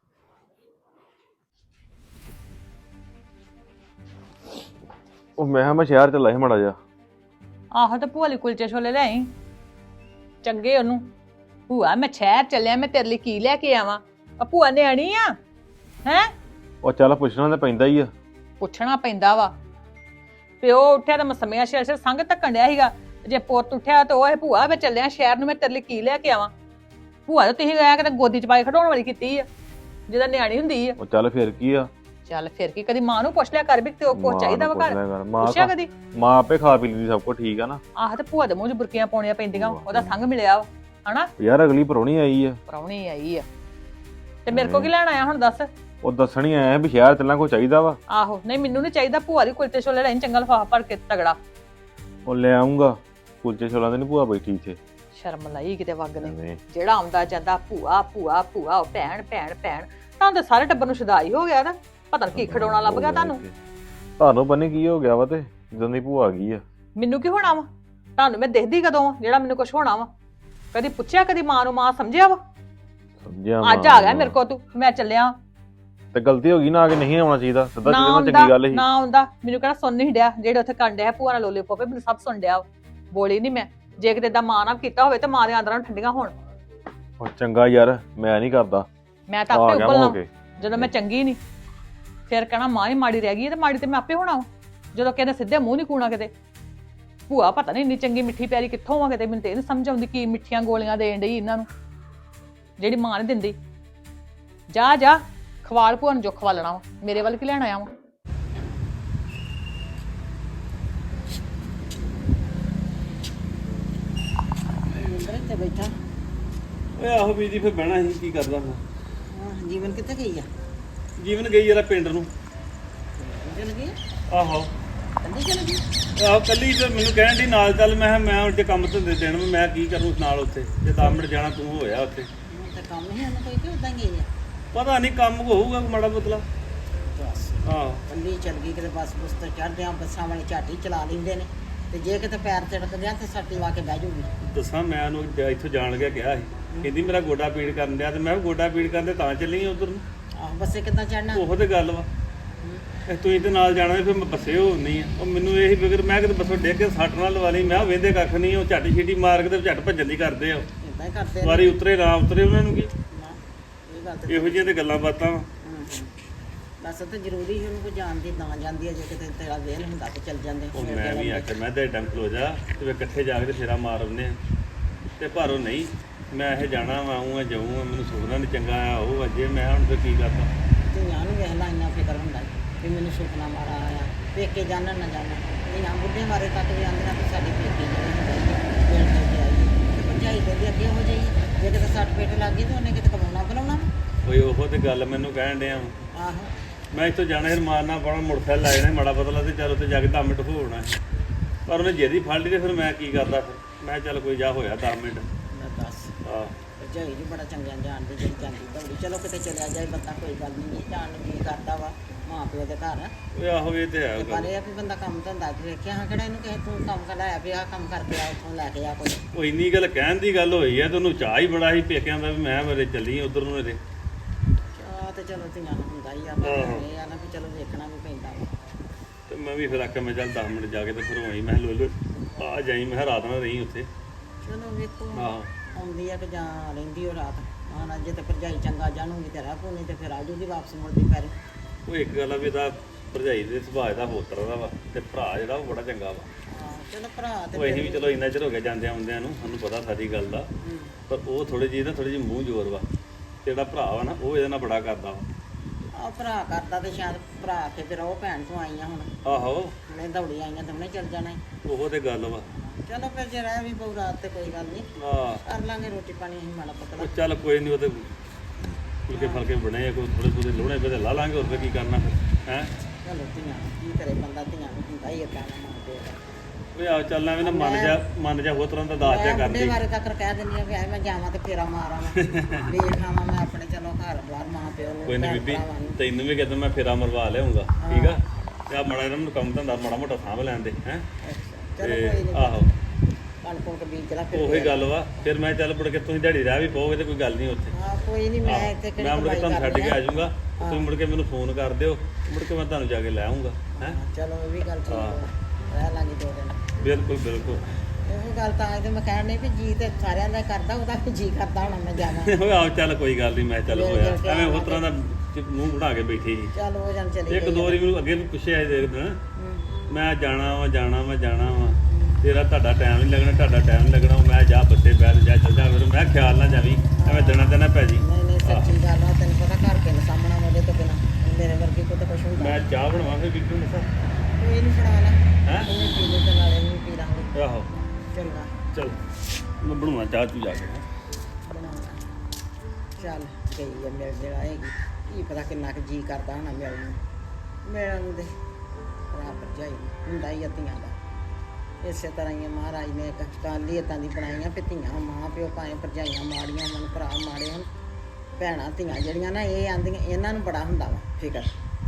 Speaker 4: ਉਹ ਮੈਂ ਕਿਹਾ ਮੈਂ ਸ਼ਹਿਰ ਚੱਲਾ ਸੀ ਮਾੜਾ ਜਿਹਾ।
Speaker 1: ਆਹੋ ਤੇ ਭੂਆ ਲਈ ਕੁਲਚੇ ਛੋਲੇ ਲੈ ਆਈ ਚੰਗੇ ਉਹਨੂੰ। ਭੂਆ ਮੈਂ ਸ਼ਹਿਰ ਚੱਲਿਆ, ਮੈਂ ਤੇਰੇ ਲਈ ਕੀ ਲੈ ਕੇ ਆਵਾਂ? ਆ ਭੂਆ ਨੇ ਆਣੀ ਆ ਹੈ?
Speaker 4: ਉਹ ਚੱਲ ਪੁੱਛਣਾ ਤਾਂ ਪੈਂਦਾ ਹੀ ਆ।
Speaker 1: ਪੁੱਛਣਾ ਪੈਂਦਾ ਵਾ। ਪਿਓ ਉੱਠਿਆ ਤਾਂ ਮਸਮੀਆਂ ਸ਼ੇਰ ਸ਼ੇਰ ਸੰਗ ਧੱਕਣ ਡਿਆ ਸੀਗਾ, ਜੇ ਪੁੱਤ ਉੱਠਿਆ ਤਾਂ ਉਹ ਭੂਆ ਮੈਂ ਚੱਲਿਆ ਸ਼ਹਿਰ ਨੂੰ, ਮੈਂ ਤੇਰੇ ਲਈ ਕੀ ਲੈ ਕੇ ਆਵਾਂ? ਭੂਆ ਤਾਂ ਤੁਸੀਂ ਗਿਆ ਕਿਤੇ ਗੋਦੀ ਚ ਪਾਈ ਖਡਾਉਣ ਵਾਲੀ ਕੀਤੀ ਆ, ਜਿਹਦਾ ਨਿਆਣੀ ਹੁੰਦੀ ਆ।
Speaker 4: ਉਹ ਚੱਲ ਫਿਰ ਕੀ ਆ?
Speaker 1: ਚੱਲ ਫਿਰ ਕੀ, ਕਦੀ ਮਾਂ ਨੂੰ ਪੁੱਛ ਲਿਆ ਕਰ ਵੀ ਤੇ ਉਹ ਕੁਛ
Speaker 4: ਮਾਂ
Speaker 1: ਚਾਹੀਦਾ
Speaker 4: ਨੂੰ
Speaker 1: ਵਾ
Speaker 4: ਪੁੱਛ ਲਿਆ
Speaker 1: ਘਰ?
Speaker 4: ਕਰ, ਮਾਂ
Speaker 1: ਪੁੱਛਿਆ
Speaker 4: ਖਾ-
Speaker 1: ਕਦੀ?
Speaker 4: ਮਾਂ ਆਪੇ ਖਾ ਪੀ ਲੈਂਦੀ ਸਭ ਕੁਝ, ਠੀਕ ਆ ਨਾ।
Speaker 1: ਆਹ ਤੇ ਭੂਆ ਦੇ ਮੂੰਹ 'ਚ ਬੁਰਕੀਆਂ ਪਾਉਣੀਆਂ ਪੈਂਦੀਆਂ, ਉਹਦਾ ਸੰਗ ਮਿਲਿਆ ਵਾ ਹਨਾ।
Speaker 4: ਯਾਰ ਅਗਲੀ ਪਰੌਣੀ ਆਈ ਆ,
Speaker 1: ਪ੍ਰਾਹੁਣੀ ਆਈ ਆ ਤੇ ਮੇਰੇ ਕੋ ਕੀ ਲੈਣ ਆਇਆ ਹੁਣ ਦੱਸ?
Speaker 4: ਉਹ ਦੱਸਣੀ ਆਇਆ ਵੀ ਸ਼ਹਿਰ ਚੱਲਣਾ ਕੋਈ ਚਾਹੀਦਾ ਵਾ।
Speaker 1: ਆਹੋ ਨਹੀਂ ਮੈਨੂੰ ਨਹੀਂ ਚਾਹੀਦਾ, ਭੂਆ ਦੀ ਕੁਲਚੇ ਛੋਲੇ ਲੈਣ ਚੰਗਾ ਲਫਾਫਾ ਭਰ ਕੇ ਤਗੜਾ।
Speaker 4: ਉਹ ਲੈ ਆਉਂਗਾ, ਕੁਲਚੇ ਛੋਲਾਂ ਦੇ ਨੀ ਭੂਆ ਬੈਠੀ ਇੱਥੇ।
Speaker 1: ਸ਼ਰਮ ਲਈ ਕਿਤੇ ਵਗ ਨੇ,
Speaker 4: ਐਵੇਂ।
Speaker 1: ਜਿਹੜਾ ਆਉਂਦਾ ਜਾਂਦਾ ਭੂਆ ਭੂਆ ਭੂਆ, ਉਹ ਭੈਣ ਭੈਣ ਭੈਣ। ਤੁਹਾਨੂੰ ਤਾਂ ਸਾਰੇ ਟੱਬਰ ਨੂੰ ਸ਼ਦਾਈ ਹੋ ਗਿਆ ਨਾ, ਪਤਾ ਨੀ ਕੀ ਖਡਾਉਣਾ ਲੱਭ ਗਿਆ ਤੁਹਾਨੂੰ।
Speaker 4: ਤੁਹਾਨੂੰ ਬੰਨੇ ਕੀ ਹੋ ਗਿਆ ਵਾ ਤੇ ਜਦੋਂ ਦੀ ਭੂਆ ਆ ਗਈ ਆ।
Speaker 1: ਮੈਨੂੰ ਕੀ ਹੋਣਾ ਵਾ? ਤੁਹਾਨੂੰ ਮੈਂ ਦੇਖਦੀ ਕਦੋਂ ਆ ਜਿਹੜਾ ਮੈਨੂੰ ਕੁਝ ਹੋਣਾ ਵਾ? ਕਦੀ ਪੁੱਛਿਆ, ਕਦੀ ਮਾਂ ਨੂੰ ਮਾਂ ਸਮਝਿਆ ਵਾ?
Speaker 4: ਸਮਝਿਆ
Speaker 1: ਅੱਜ ਆ ਗਿਆ ਮੇਰੇ ਕੋ ਤੂੰ, ਮੈਂ ਚੱਲਿਆ।
Speaker 4: ਤੇ ਗਲਤੀ ਹੋ ਗਈ ਨਾ, ਆ ਕੇ ਨਹੀਂ ਆਉਣਾ ਚਾਹੀਦਾ, ਸਿੱਧਾ
Speaker 1: ਨਾ
Speaker 4: ਚੱਲਣਾ
Speaker 1: ਆਉਂਦਾ
Speaker 4: ਚੰਗੀ ਗੱਲ ਸੀ।
Speaker 1: ਨਾ ਆਉਂਦਾ, ਮੈਨੂੰ ਕਿਹੜਾ ਸੁਣ ਨਹੀਂ ਡਿਆ ਜਿਹੜੇ ਉੱਥੇ ਕੰਨ ਡਿਆ ਭੂਆ ਨਾਲ ਲੋਲੇ ਪੋਪੇ, ਮੈਨੂੰ ਸਭ ਸੁਣ ਡਿਆ। ਬੋਲੀ ਨਹੀਂ ਮੈਂ, ਜੇ ਕਿਤੇ ਦਾ ਮਾਂ ਨਾਲ ਕੀਤਾ ਹੋਵੇ ਤੇ ਮਾਂ ਦੇ ਅੰਦਰਾਂ ਨੂੰ ਠੰਡੀਆਂ ਹੋਣ।
Speaker 4: ਉਹ ਚੰਗਾ ਯਾਰ, ਮੈਂ ਨਹੀਂ ਕਰਦਾ,
Speaker 1: ਮੈਂ ਤਾਂ
Speaker 4: ਆ
Speaker 1: ਆਪੇ
Speaker 4: ਗਿਆ ਮੈਂ ਹੋ
Speaker 1: ਉਬਲਣਾ
Speaker 4: ਕੇ।
Speaker 1: ਜਦੋਂ ਮੈਂ ਚੰਗੀ ਨਹੀਂ, ਫਿਰ ਕਹਿਣਾ ਮਾਂ ਹੀ ਮਾੜੀ ਰਹਿ ਗਈ ਹੈ, ਤੇ ਮਾੜੀ ਤੇ ਮੈਂ ਆਪੇ ਹੋਣਾ ਵਾ। ਜਦੋਂ ਕਹਿੰਦੇ ਸਿੱਧੇ ਮੂੰਹ ਨਹੀਂ ਕੂਣਾ ਕਿਤੇ। ਭੂਆ ਪਤਾ ਨਹੀਂ ਇੰਨੀ ਚੰਗੀ ਮਿੱਠੀ ਪਿਆਰੀ ਕਿੱਥੋਂ ਆ ਕਿਤੇ, ਮੈਨੂੰ ਤੇ ਇਹ ਨੀ ਸਮਝ ਆਉਂਦੀ ਕੀ ਮਿੱਠੀਆਂ ਗੋਲੀਆਂ ਦੇਣ ਡਈ ਇਹਨਾਂ ਨੂੰ ਜਿਹੜੀ ਮਾਂ ਨਹੀਂ ਦਿੰਦੀ। ਜਾ ਜਾ ਖਵਾਲ ਭੂਆ ਨੂੰ ਜੋ ਖਵਾਲਣਾ ਵਾ, ਮੇਰੇ ਵੱਲ ਕੀ ਲੈਣ ਆਇਆ ਵਾ?
Speaker 5: ਇੱਥੇ ਬੈਠਾ।
Speaker 6: ਓਏ ਆਹੋ ਬੀਜੀ ਫਿਰ ਬਹਿਣਾ ਸੀ, ਕੀ ਕਰਦਾ ਹੁਣ?
Speaker 5: ਹਾਂ, ਜੀਵਨ ਕਿੱਥੇ ਗਈ ਆ?
Speaker 6: ਜੀਵਨ ਗਈ ਜਰਾ ਪਿੰਡ ਨੂੰ।
Speaker 5: ਚਲ ਗਈ?
Speaker 6: ਆਹੋ
Speaker 5: ਕੰਦੀ ਚਲ ਗਈ?
Speaker 6: ਆਹੋ ਕੱਲੀ ਤੇ ਮੈਨੂੰ ਕਹਿਣ ਦੀ ਨਾਲ ਚੱਲ, ਮੈਂ ਕਿਹਾ ਮੈਂ ਉੱਥੇ ਕੰਮ ਧੰਦੇ ਦੇਣ ਮੈਂ ਕੀ ਕਰੂੰ ਨਾਲ ਉੱਥੇ, ਜੇ ਦਸ ਮਿੰਟ ਜਾਣਾ ਤੂੰ ਹੋਇਆ ਉੱਥੇ।
Speaker 5: ਹੁਣ ਤਾਂ ਕੰਮ ਨਹੀਂ ਉਹਨੂੰ ਕੋਈ ਕਿ ਉਦਾਂ ਗਈ ਆ?
Speaker 6: ਪਤਾ ਨਹੀਂ ਕੰਮ ਹੋਊਗਾ ਕੋਈ ਮਾੜਾ ਬਦਲਾ
Speaker 5: ਬਸ
Speaker 6: ਆਹ
Speaker 5: ਕੱਲੀ ਚੱਲ ਗਈ ਕਿਤੇ ਬੱਸ ਬੁਸ ਤੇ ਚੜ੍ਹਦੇ ਆ ਬੱਸਾਂ ਵਾਲੇ ਝਾਟੀ ਚਲਾ ਲੈਂਦੇ ਨੇ ਤੇ ਜੇ ਕਿਤੇ ਪੈਰ ਤਿੜਕ ਗਿਆ ਤੇ ਸੱਟੀ ਵਾ ਕੇ ਬਹਿ ਜੂਗੀ
Speaker 6: ਦੱਸਾਂ ਮੈਂ ਉਹਨੂੰ ਜ- ਇੱਥੋਂ ਜਾਣ ਕੇ ਕਿਹਾ ਸੀ ਕਹਿੰਦੀ ਮੇਰਾ ਗੋਡਾ ਪੀੜ ਕਰਨ ਡਿਆ ਤੇ ਮੈਂ ਕਿਹਾ ਗੋਡਾ ਪੀੜ ਕਰਨ ਦੇ ਤਾਂ ਚੱਲੀ ਉਧਰ ਨੂੰ
Speaker 5: ਆਹ ਬੱਸੇ ਕਿੱਦਾਂ ਚੜਨਾ
Speaker 6: ਉਹੋ ਤੇ ਗੱਲ ਵਾ ਇਹ ਤੁਸੀਂ ਤੇ ਨਾਲ ਜਾਣਾ ਸੀ, ਫਿਰ ਮੈਂ ਬੱਸੇ ਹੋ ਨਹੀਂ ਆ ਉਹ ਮੈਨੂੰ ਇਹ ਫਿਕਰ ਮੈਂ ਕਿਤੇ ਬੱਸੋਂ ਡਿੱਗ ਕੇ ਸੱਟ ਨਾਲ ਲਵਾ ਲਈ ਮੈਂ ਵੇਂਦੇ ਕੱਖ ਨਹੀਂ ਉਹ ਝਾਟੀ ਛੀਟੀ ਮਾਰ ਕੇ ਤੇ ਝੱਟ ਭੱਜਣ ਦੀ ਕਰਦੇ ਆ
Speaker 5: ਇਦਾਂ ਹੀ ਕਰਦੇ ਨੇ
Speaker 6: ਵਾਰੀ ਉਤਰੇ ਨਾ ਉਤਰੇ ਉਹਨਾਂ ਨੂੰ ਕੀ
Speaker 5: ਨਾ, ਇਹ ਗੱਲ ਤੇ
Speaker 6: ਇਹੋ ਜਿਹੀਆਂ ਤੇ ਗੱਲਾਂ ਬਾਤਾਂ ਵਾ
Speaker 5: ਹੂੰ, ਹੂੰ। ਬਸ ਤੇ ਜ਼ਰੂਰੀ ਸੀ ਉਹਨੂੰ ਕੋਈ ਜਾਣਦੀ ਨਾ ਜਾਂਦੀ ਹੈ ਜੇ ਕਿਤੇ ਤੇਰਾ ਵੇਲ ਹੁੰਦਾ ਤੇ ਚੱਲ ਜਾਂਦੇ
Speaker 6: ਉਹ
Speaker 5: ਫਿਰ
Speaker 6: ਮੈਂ ਵੀ
Speaker 5: ਚੱਲ
Speaker 6: ਆਖਿਆ ਮੈਂ ਤੇ ਟਾਈਮ ਖਲੋ ਜਾ ਤੇ ਫਿਰ ਇਕੱਠੇ ਜਾ ਕੇ ਤੇ ਫੇਰਾ ਮਾਰ ਆਉਂਦੇ ਆ ਤੇ ਪਰ ਉਹ ਨਹੀਂ ਮੈਂ ਇਹ ਜਾਣਾ ਵਾ ਆਊਂ ਆ ਜਾਊਂ ਆ ਮੈਨੂੰ ਸੁਪਨਾ ਨਹੀਂ ਚੰਗਾ ਆ ਉਹ ਅਜੇ ਮੈਂ ਹੁਣ ਤੇ ਕੀ ਕਰਦਾ
Speaker 5: ਧੀਆਂ ਨੂੰ ਵੇਖ ਲਾ ਇੰਨਾ ਫਿਕਰ ਹੁੰਦਾ ਵੀ ਮੈਨੂੰ ਸੁਪਨਾ ਮਾਰਾ ਆਇਆ ਪੇਕੇ ਜਾਣਨ ਨਾ ਜਾਣਨ ਧੀਆਂ ਬੁੱਢੇ ਮਾਰੇ ਤੱਕ ਵੀ ਆਉਂਦੀਆਂ ਕਿ ਸਾਡੀ ਪੇਕੇ ਜਿਹੜੇ ਹੁੰਦੇ ਆ ਵੇਲ ਦੇ ਕੇ ਆਈ ਤੇ ਭਰਜਾਈ ਦੇ ਅੱਗੇ ਹੋ ਜਾਈ ਜੇ ਕਿਤੇ ਸੱਟ ਪੇਟ ਲੱਗ ਗਈ ਤੇ ਉਹਨੇ ਕਿਤੇ ਕਮਾਉਣਾ ਬਣਾਉਣਾ
Speaker 6: ਓਏ ਉਹੋ ਤੇ ਗੱਲ ਮੈਨੂੰ ਕਹਿਣ ਡਿਆ ਵਾ
Speaker 5: ਆਹੋ
Speaker 6: ਮੈਂ ਇੱਥੋਂ ਜਾਣਾ ਫਿਰ ਮਾਰਨਾ ਪਾਉਣਾ ਮੋਟਰਸਾਈਕਲ ਲੈ ਜਾਣਾ ਮਾੜਾ ਬਦਲਾ ਤੇ ਚੱਲ ਉੱਥੇ ਜਾ ਕੇ ਦਸ ਮਿੰਟ ਹੋਣਾ ਸੀ। ਪਰ ਉਹਨੇ ਜਿਹਦੀ ਫੜ ਲਈ ਤੇ ਫਿਰ ਮੈਂ ਕੀ ਕਰਦਾ ਫਿਰ ਮੈਂ ਚੱਲ ਕੋਈ ਜਾ ਹੋਇਆ ਦਸ ਮਿੰਟ
Speaker 5: ਮੈਂ ਦੱਸ
Speaker 6: ਆਹ
Speaker 5: ਭਰਜਾਈ ਜੀ ਬੜਾ ਚੰਗਿਆਂ ਜਾਣਦੇ ਜਿਹੜੀ ਜਾਂਦੀ ਦੌੜੀ ਚਲੋ ਕਿਤੇ ਚਲਿਆ ਜਾਏ ਬੰਦਾ ਕੋਈ ਗੱਲ ਨਹੀਂ ਜਾਣ ਨੂੰ ਜੀ ਕਰਦਾ ਵਾ ਮਾਂ ਪਿਓ ਦੇ ਘਰ
Speaker 6: ਓਏ ਆਹੋ ਇਹ ਤੇ ਹੈ
Speaker 5: ਤੇ ਪਰ
Speaker 6: ਗੱਲ
Speaker 5: ਇਹ ਆ ਵੀ ਬੰਦਾ ਕੰਮ ਧੰਦਾ ਤੇ ਵੇਖਿਆ ਹਾਂ ਕਿਹੜਾ ਇਹਨੂੰ ਕਿਸੇ ਤੂੰ ਕੰਮ ਕਢਾਇਆ ਵੀ ਆਹ ਕੰਮ ਕਰਕੇ ਆ ਉੱਥੋਂ ਲੈ ਕੇ ਆ ਕੋਈ
Speaker 6: ਉਹ ਇੰਨੀ ਗੱਲ ਕਹਿਣ ਦੀ ਗੱਲ ਹੋਈ ਹੈ ਤੇ ਉਹਨੂੰ ਚਾਹ ਹੀ ਬੜਾ ਸੀ ਪੇਕਿਆਂ ਦਾ ਵੀ ਮੈਂ ਮੇਰੇ ਚੱਲੀ ਉਧਰ ਨੂੰ ਇਹਦੇ
Speaker 5: ਆ ਤੇ ਚਲੋ ਧੀਆਂ ਨੂੰ ਹੁੰਦਾ ਹੀ ਆ ਪਰ ਇਹ ਆ ਨਾ ਵੀ ਚਲੋ ਵੇਖਣਾ ਵੀ ਪੈਂਦਾ ਵਾ
Speaker 6: ਤੇ ਮੈਂ ਵੀ ਫਿਰ ਆਖਿਆ ਮੈਂ ਚੱਲ ਦਸ ਮਿੰਟ ਜਾ ਕੇ ਤੇ ਫਿਰ ਹੋਈ ਮੈਂ ਲੋ ਲੋ ਆ ਜਾਈ ਮੈਂ ਕਿਹਾ ਰਾਤ ਨਾਲ ਰਹੀ ਉੱਥੇ
Speaker 5: ਚਲੋ ਵੇਖੋ
Speaker 6: ਆਹੋ
Speaker 5: ਆਉਂਦੀ ਆ ਕਿ ਜਾਂ ਰਹਿੰਦੀ ਉਹ ਰਾਤ ਮਹਾਰਾਜ ਜੇ ਤੇ ਭਰਜਾਈ ਚੰਗਾ ਜਾਣੂਗੀ ਤੇ ਰਾਹ ਨਹੀਂ ਤੇ ਫਿਰ ਆ ਜੂਗੀ ਵਾਪਸ ਮੁੜਦੀ ਪੈਰੇ
Speaker 6: ਉਹ ਇੱਕ ਗੱਲ ਆ ਵੀ ਇਹਦਾ ਭਰਜਾਈ ਦੇ ਸੁਭਾਅ ਦਾ ਹੋਤਰ ਦਾ ਵਾ ਤੇ ਭਰਾ ਜਿਹੜਾ ਉਹ ਬੜਾ ਚੰਗਾ ਵਾ
Speaker 5: ਹਾਂ ਚਲੋ ਭਰਾ ਤੇ
Speaker 6: ਉਹ ਅਸੀਂ ਵੀ ਚਲੋ ਇੰਨਾ ਚਿਰ ਹੋ ਗਿਆ ਜਾਂਦਿਆਂ ਆਉਂਦਿਆਂ ਨੂੰ ਸਾਨੂੰ ਪਤਾ ਸਾਰੀ ਗੱਲ ਦਾ
Speaker 5: ਹੂੰ।
Speaker 6: ਪਰ ਉਹ ਥੋੜੀ ਜਿਹੀ ਨਾ ਥੋੜੀ ਜਿਹੀ ਮੂੰਹ ਜ਼ੋਰ ਵਾ ਤੇ ਜਿਹੜਾ ਭਰਾ ਵਾ ਨਾ ਉਹ ਇਹਦੇ ਨਾਲ ਬੜਾ ਕਰਦਾ ਵਾ
Speaker 5: ਆ ਭਰਾ ਕਰਦਾ ਤੇ ਸ਼ਾਇਦ ਭਰਾ ਕੇ ਫਿਰ ਉਹ ਭੈਣ ਤੋਂ ਆਈਆਂ ਹੁਣ
Speaker 6: ਆਹੋ
Speaker 5: ਹੁਣੇ ਦੌੜੀ ਆਈਆਂ ਤੇ ਹੁਣੇ ਚੱਲ ਜਾਣਾ ਈ।
Speaker 6: ਉਹ ਤੇ ਗੱਲ ਵਾ
Speaker 5: ਚਲੋ ਫਿਰ ਜੇ ਰਹਿ ਵੀ ਪਊ ਰਾਤ ਤੇ ਕੋਈ ਗੱਲ ਨਹੀਂ
Speaker 6: ਆ
Speaker 5: ਕਰ ਲਾਂਗੇ ਰੋਟੀ ਪਾਣੀ ਅਸੀਂ ਮਾੜਾ ਪਤਲਾ
Speaker 6: ਉਹ ਚੱਲ ਕੋਈ ਨਹੀਂ ਉਹ ਤੇ ਫੁਲਕੇ ਫਲਕੇ ਬਣੇ ਆ ਕੋਈ ਥੋੜੇ ਥੋੜੇ ਲੋਹਣੇ ਪੇ ਲਾ ਲਾਂਗੇ ਹੋਰ ਫਿਰ ਕੀ ਕਰਨਾ ਫਿਰ ਹੈ
Speaker 5: ਚਲੋ ਧੀਆਂ ਕੀ ਕਰੇ ਬੰਦਾ ਧੀਆਂ ਨੂੰ ਹੁੰਦਾ ਹੀ ਏਦਾਂ ਨਾ ਮਾਂ ਪਿਓ ਦਾ
Speaker 6: ਓਏ ਆ ਚੱਲਣਾ ਵੀ ਨਾ ਮਨ ਜਾ ਮਨ ਜਾ ਹੋਰ ਤਰ੍ਹਾਂ ਦਾ ਦਾਸ ਜਾ
Speaker 5: ਮੈਂ ਬੁੱਢੇ
Speaker 6: ਕਰਦੀ
Speaker 5: ਬਾਰੇ ਤੱਕ ਕਹਿ ਦਿੰਦੀ ਆ ਵੀ ਐ ਮੈਂ ਜਾਵਾਂ ਤੇ ਫੇਰਾ ਮਾਰਾਂ ਮੈਂ ਵੇਖ ਆਵਾਂ ਮੈਂ ਆਪਣੇ ਚਲੋ ਘਰ ਬਾਹਰ ਮਾਂ ਪਿਓ ਨੂੰ
Speaker 6: ਕੋਈ ਨਹੀਂ
Speaker 5: ਭੈਣ
Speaker 6: ਬੀਬੀ
Speaker 5: ਭਰਾਵਾਂ ਨੂੰ।
Speaker 6: ਤੈਨੂੰ ਵੀ ਕਹਿੰਦਾ ਮੈਂ ਫੇਰਾ ਮਰਵਾ ਲਿਆਉਂਗਾ ਠੀਕ ਆ ਤੇ ਆ ਮਾੜਾ ਇਹਨਾਂ ਨੂੰ ਕੰਮ ਧੰਦਾ ਮਾੜਾ ਮੋਟਾ ਸਾਂਭ ਲੈਣ ਦੇ ਹੈ
Speaker 5: ਚਲੋ
Speaker 6: ਤੇ
Speaker 5: ਕੋਈ ਨਹੀਂ
Speaker 6: ਆਹੋ
Speaker 5: ਕਣ ਕੋਲ ਬੀਜ ਲਾ ਫਿਰ
Speaker 6: ਉਹੀ ਗੱਲ ਵਾ ਫਿਰ ਮੈਂ ਚੱਲ ਮੁੜ ਕੇ ਤੁਸੀਂ ਦਿਹਾੜੀ ਰਹਿ ਵੀ ਪਾਓਗੇ ਤੇ ਕੋਈ ਗੱਲ ਨਹੀਂ ਉੱਥੇ
Speaker 5: ਹਾਂ ਕੋਈ ਨਹੀਂ ਮੈਂ ਇੱਥੇ ਕਿਹੜੀ
Speaker 6: ਮੈਂ ਮੁੜ ਕੇ
Speaker 5: ਕਮਾਈ
Speaker 6: ਤੁਹਾਨੂੰ ਛੱਡ ਕੇ
Speaker 5: ਕਰਨੀ
Speaker 6: ਆ ਜਾਊਂਗਾ ਤੁਸੀਂ ਮੁੜ ਕੇ ਮੈਨੂੰ ਫੋਨ ਕਰ ਦਿਓ ਮੁੜ ਕੇ ਮੈਂ ਤੁਹਾਨੂੰ ਜਾ ਕੇ ਲੈ ਆਉਂਗਾ ਹੈ
Speaker 5: ਹਾਂ, ਚਲੋ ਇਹ ਵੀ ਗੱਲ ਠੀਕ
Speaker 6: ਹਾਂ।
Speaker 5: ਹੈ ਰਹਿ ਲਾਂਗੇ ਦੋ ਦਿਨ
Speaker 6: ਬਿਲਕੁਲ ਬਿਲਕੁਲ
Speaker 5: ਇਹੋ ਗੱਲ ਤਾਂ ਇਹ ਤੇ ਮੈਂ ਕਹਿਣ ਨਹੀਂ ਵੀ ਜੀ ਤੇ ਸਾਰਿਆਂ ਦਾ ਕਰਦਾ ਉਹਦਾ ਵੀ ਜੀ ਕਰਦਾ ਹੁਣ ਮੈਂ ਜਾਵਾਂ
Speaker 6: ਓਏ ਆਓ ਚੱਲ ਕੋਈ ਗੱਲ ਨਹੀਂ ਮੈਂ ਚੱਲ
Speaker 5: ਮਿਲ
Speaker 6: ਹੋਇਆ
Speaker 5: ਗਿਲ ਕੇ
Speaker 6: ਐਵੇਂ ਹੋਰ
Speaker 5: ਆਵਾਂਗੇ।
Speaker 6: ਤਰ੍ਹਾਂ ਦਾ ਚ- ਮੂੰਹ ਬਣਾ ਕੇ ਬੈਠੀ ਸੀ
Speaker 5: ਚੱਲ ਉਹ ਜਨ ਚਲੀ
Speaker 6: ਇੱਕ ਦੋ ਵਾਰੀ ਮੈਨੂੰ ਅੱਗੇ ਵੀ ਪੁੱਛਿਆ ਸੀ ਦੇਖ ਦਿਨ
Speaker 5: ਹੂੰ।
Speaker 6: ਮੈਂ ਜਾਣਾ ਵਾ ਜਾਣਾ ਵਾ ਜਾਣਾ ਵਾ ਤੇਰਾ ਤੁਹਾਡਾ ਟਾਈਮ ਨਹੀਂ ਲੱਗਣਾ ਤੁਹਾਡਾ ਟਾਈਮ ਨਹੀਂ ਲੱਗਣਾ ਮੈਂ ਜਾ ਬੱਸੇ ਬੈਠ ਜਾ ਚੱਲ ਜਾ ਫਿਰ ਮੈਂ ਖਿਆਲ ਨਾ ਜਾਵੀਂ ਐਵੇਂ ਦਿਨਾਂ ਦਿਨਾਂ ਪੈ ਜੀ
Speaker 5: ਨਹੀਂ ਨਹੀਂ ਸੱਚੀ ਗੱਲ ਆ ਤੈਨੂੰ ਪਤਾ ਘਰ ਕੇ ਸਾਹਮਣਾ ਉਹਦੇ ਤੋਂ ਬਿਨਾ ਮੇਰੇ ਵਰਗੀ ਕੋਈ ਤਾਂ ਕੁਛ ਹੁੰਦਾ
Speaker 6: ਮੈਂ ਚਾਹ ਬਣਾਵਾਂ ਫਿਰ ਬੀਬੀ ਨੂੰ
Speaker 5: ਕੋਈ ਨਹੀਂ ਬਣਾ ਲੈ
Speaker 6: ਹੈਂ?
Speaker 5: ਉਹਨੇ ਪੀ ਲਈ ਤੇ ਨਾਲੇ ਨਹੀਂ ਪੀ ਲਾਂਗੇ
Speaker 6: ਆਹੋ
Speaker 5: ਚੰਗਾ
Speaker 6: ਚਲ ਮੈਂ ਬਣਾਵਾਂ ਚਾਹ ਤੂੰ ਜਾ ਕੇ ਹੈਂ।
Speaker 5: ਬਣਾਉਣਾ ਚੱਲ ਗਈ ਆ ਮਿਲ ਜਿਹੜਾ ਆਏਗੀ ਕੀ ਪਤਾ ਕਿੰਨਾ ਕੁ ਜੀ ਕਰਦਾ ਹੋਣਾ ਮਿਲਣ ਨੂੰ ਮਿਲਣ ਨੂੰ ਦੇ ਭਰਾ ਭਰਜਾਈ ਨੂੰ ਹੁੰਦਾ ਹੀ ਆ ਧੀਆਂ ਦਾ ਇਸੇ ਤਰ੍ਹਾਂ ਹੀ ਆ ਮਹਾਰਾਜ ਨੇ ਇੱਕ ਗੱਲ ਹੀ ਇੱਦਾਂ ਦੀ ਬਣਾਈਆਂ ਵੀ ਧੀਆਂ ਮਾਂ ਪਿਓ ਭਾਵੇਂ ਭਰਜਾਈਆਂ ਮਾੜੀਆਂ ਹੋਣ ਭਰਾ ਮਾੜੇ ਹੋਣ ਭੈਣਾਂ ਧੀਆਂ ਜਿਹੜੀਆਂ ਨਾ ਇਹ ਆਂਦੀਆਂ ਇਹਨਾਂ ਨੂੰ ਬੜਾ ਹੁੰਦਾ ਵਾ ਫਿਕਰ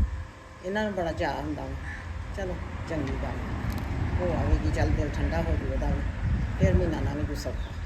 Speaker 5: ਇਹਨਾਂ ਨੂੰ ਬੜਾ ਚਾਅ ਹੁੰਦਾ ਵਾ ਚਲੋ ਚੰਗੀ ਗੱਲ ਹੋ ਆਵੇਗੀ ਚੱਲ ਦਿਲ ਠੰਡਾ ਹੋ ਜੂ ਉਹਦਾ ਵੀ ਫਿਰ ਮਹੀਨਾ ਨਾ ਵੀ ਗੁੱਸਾ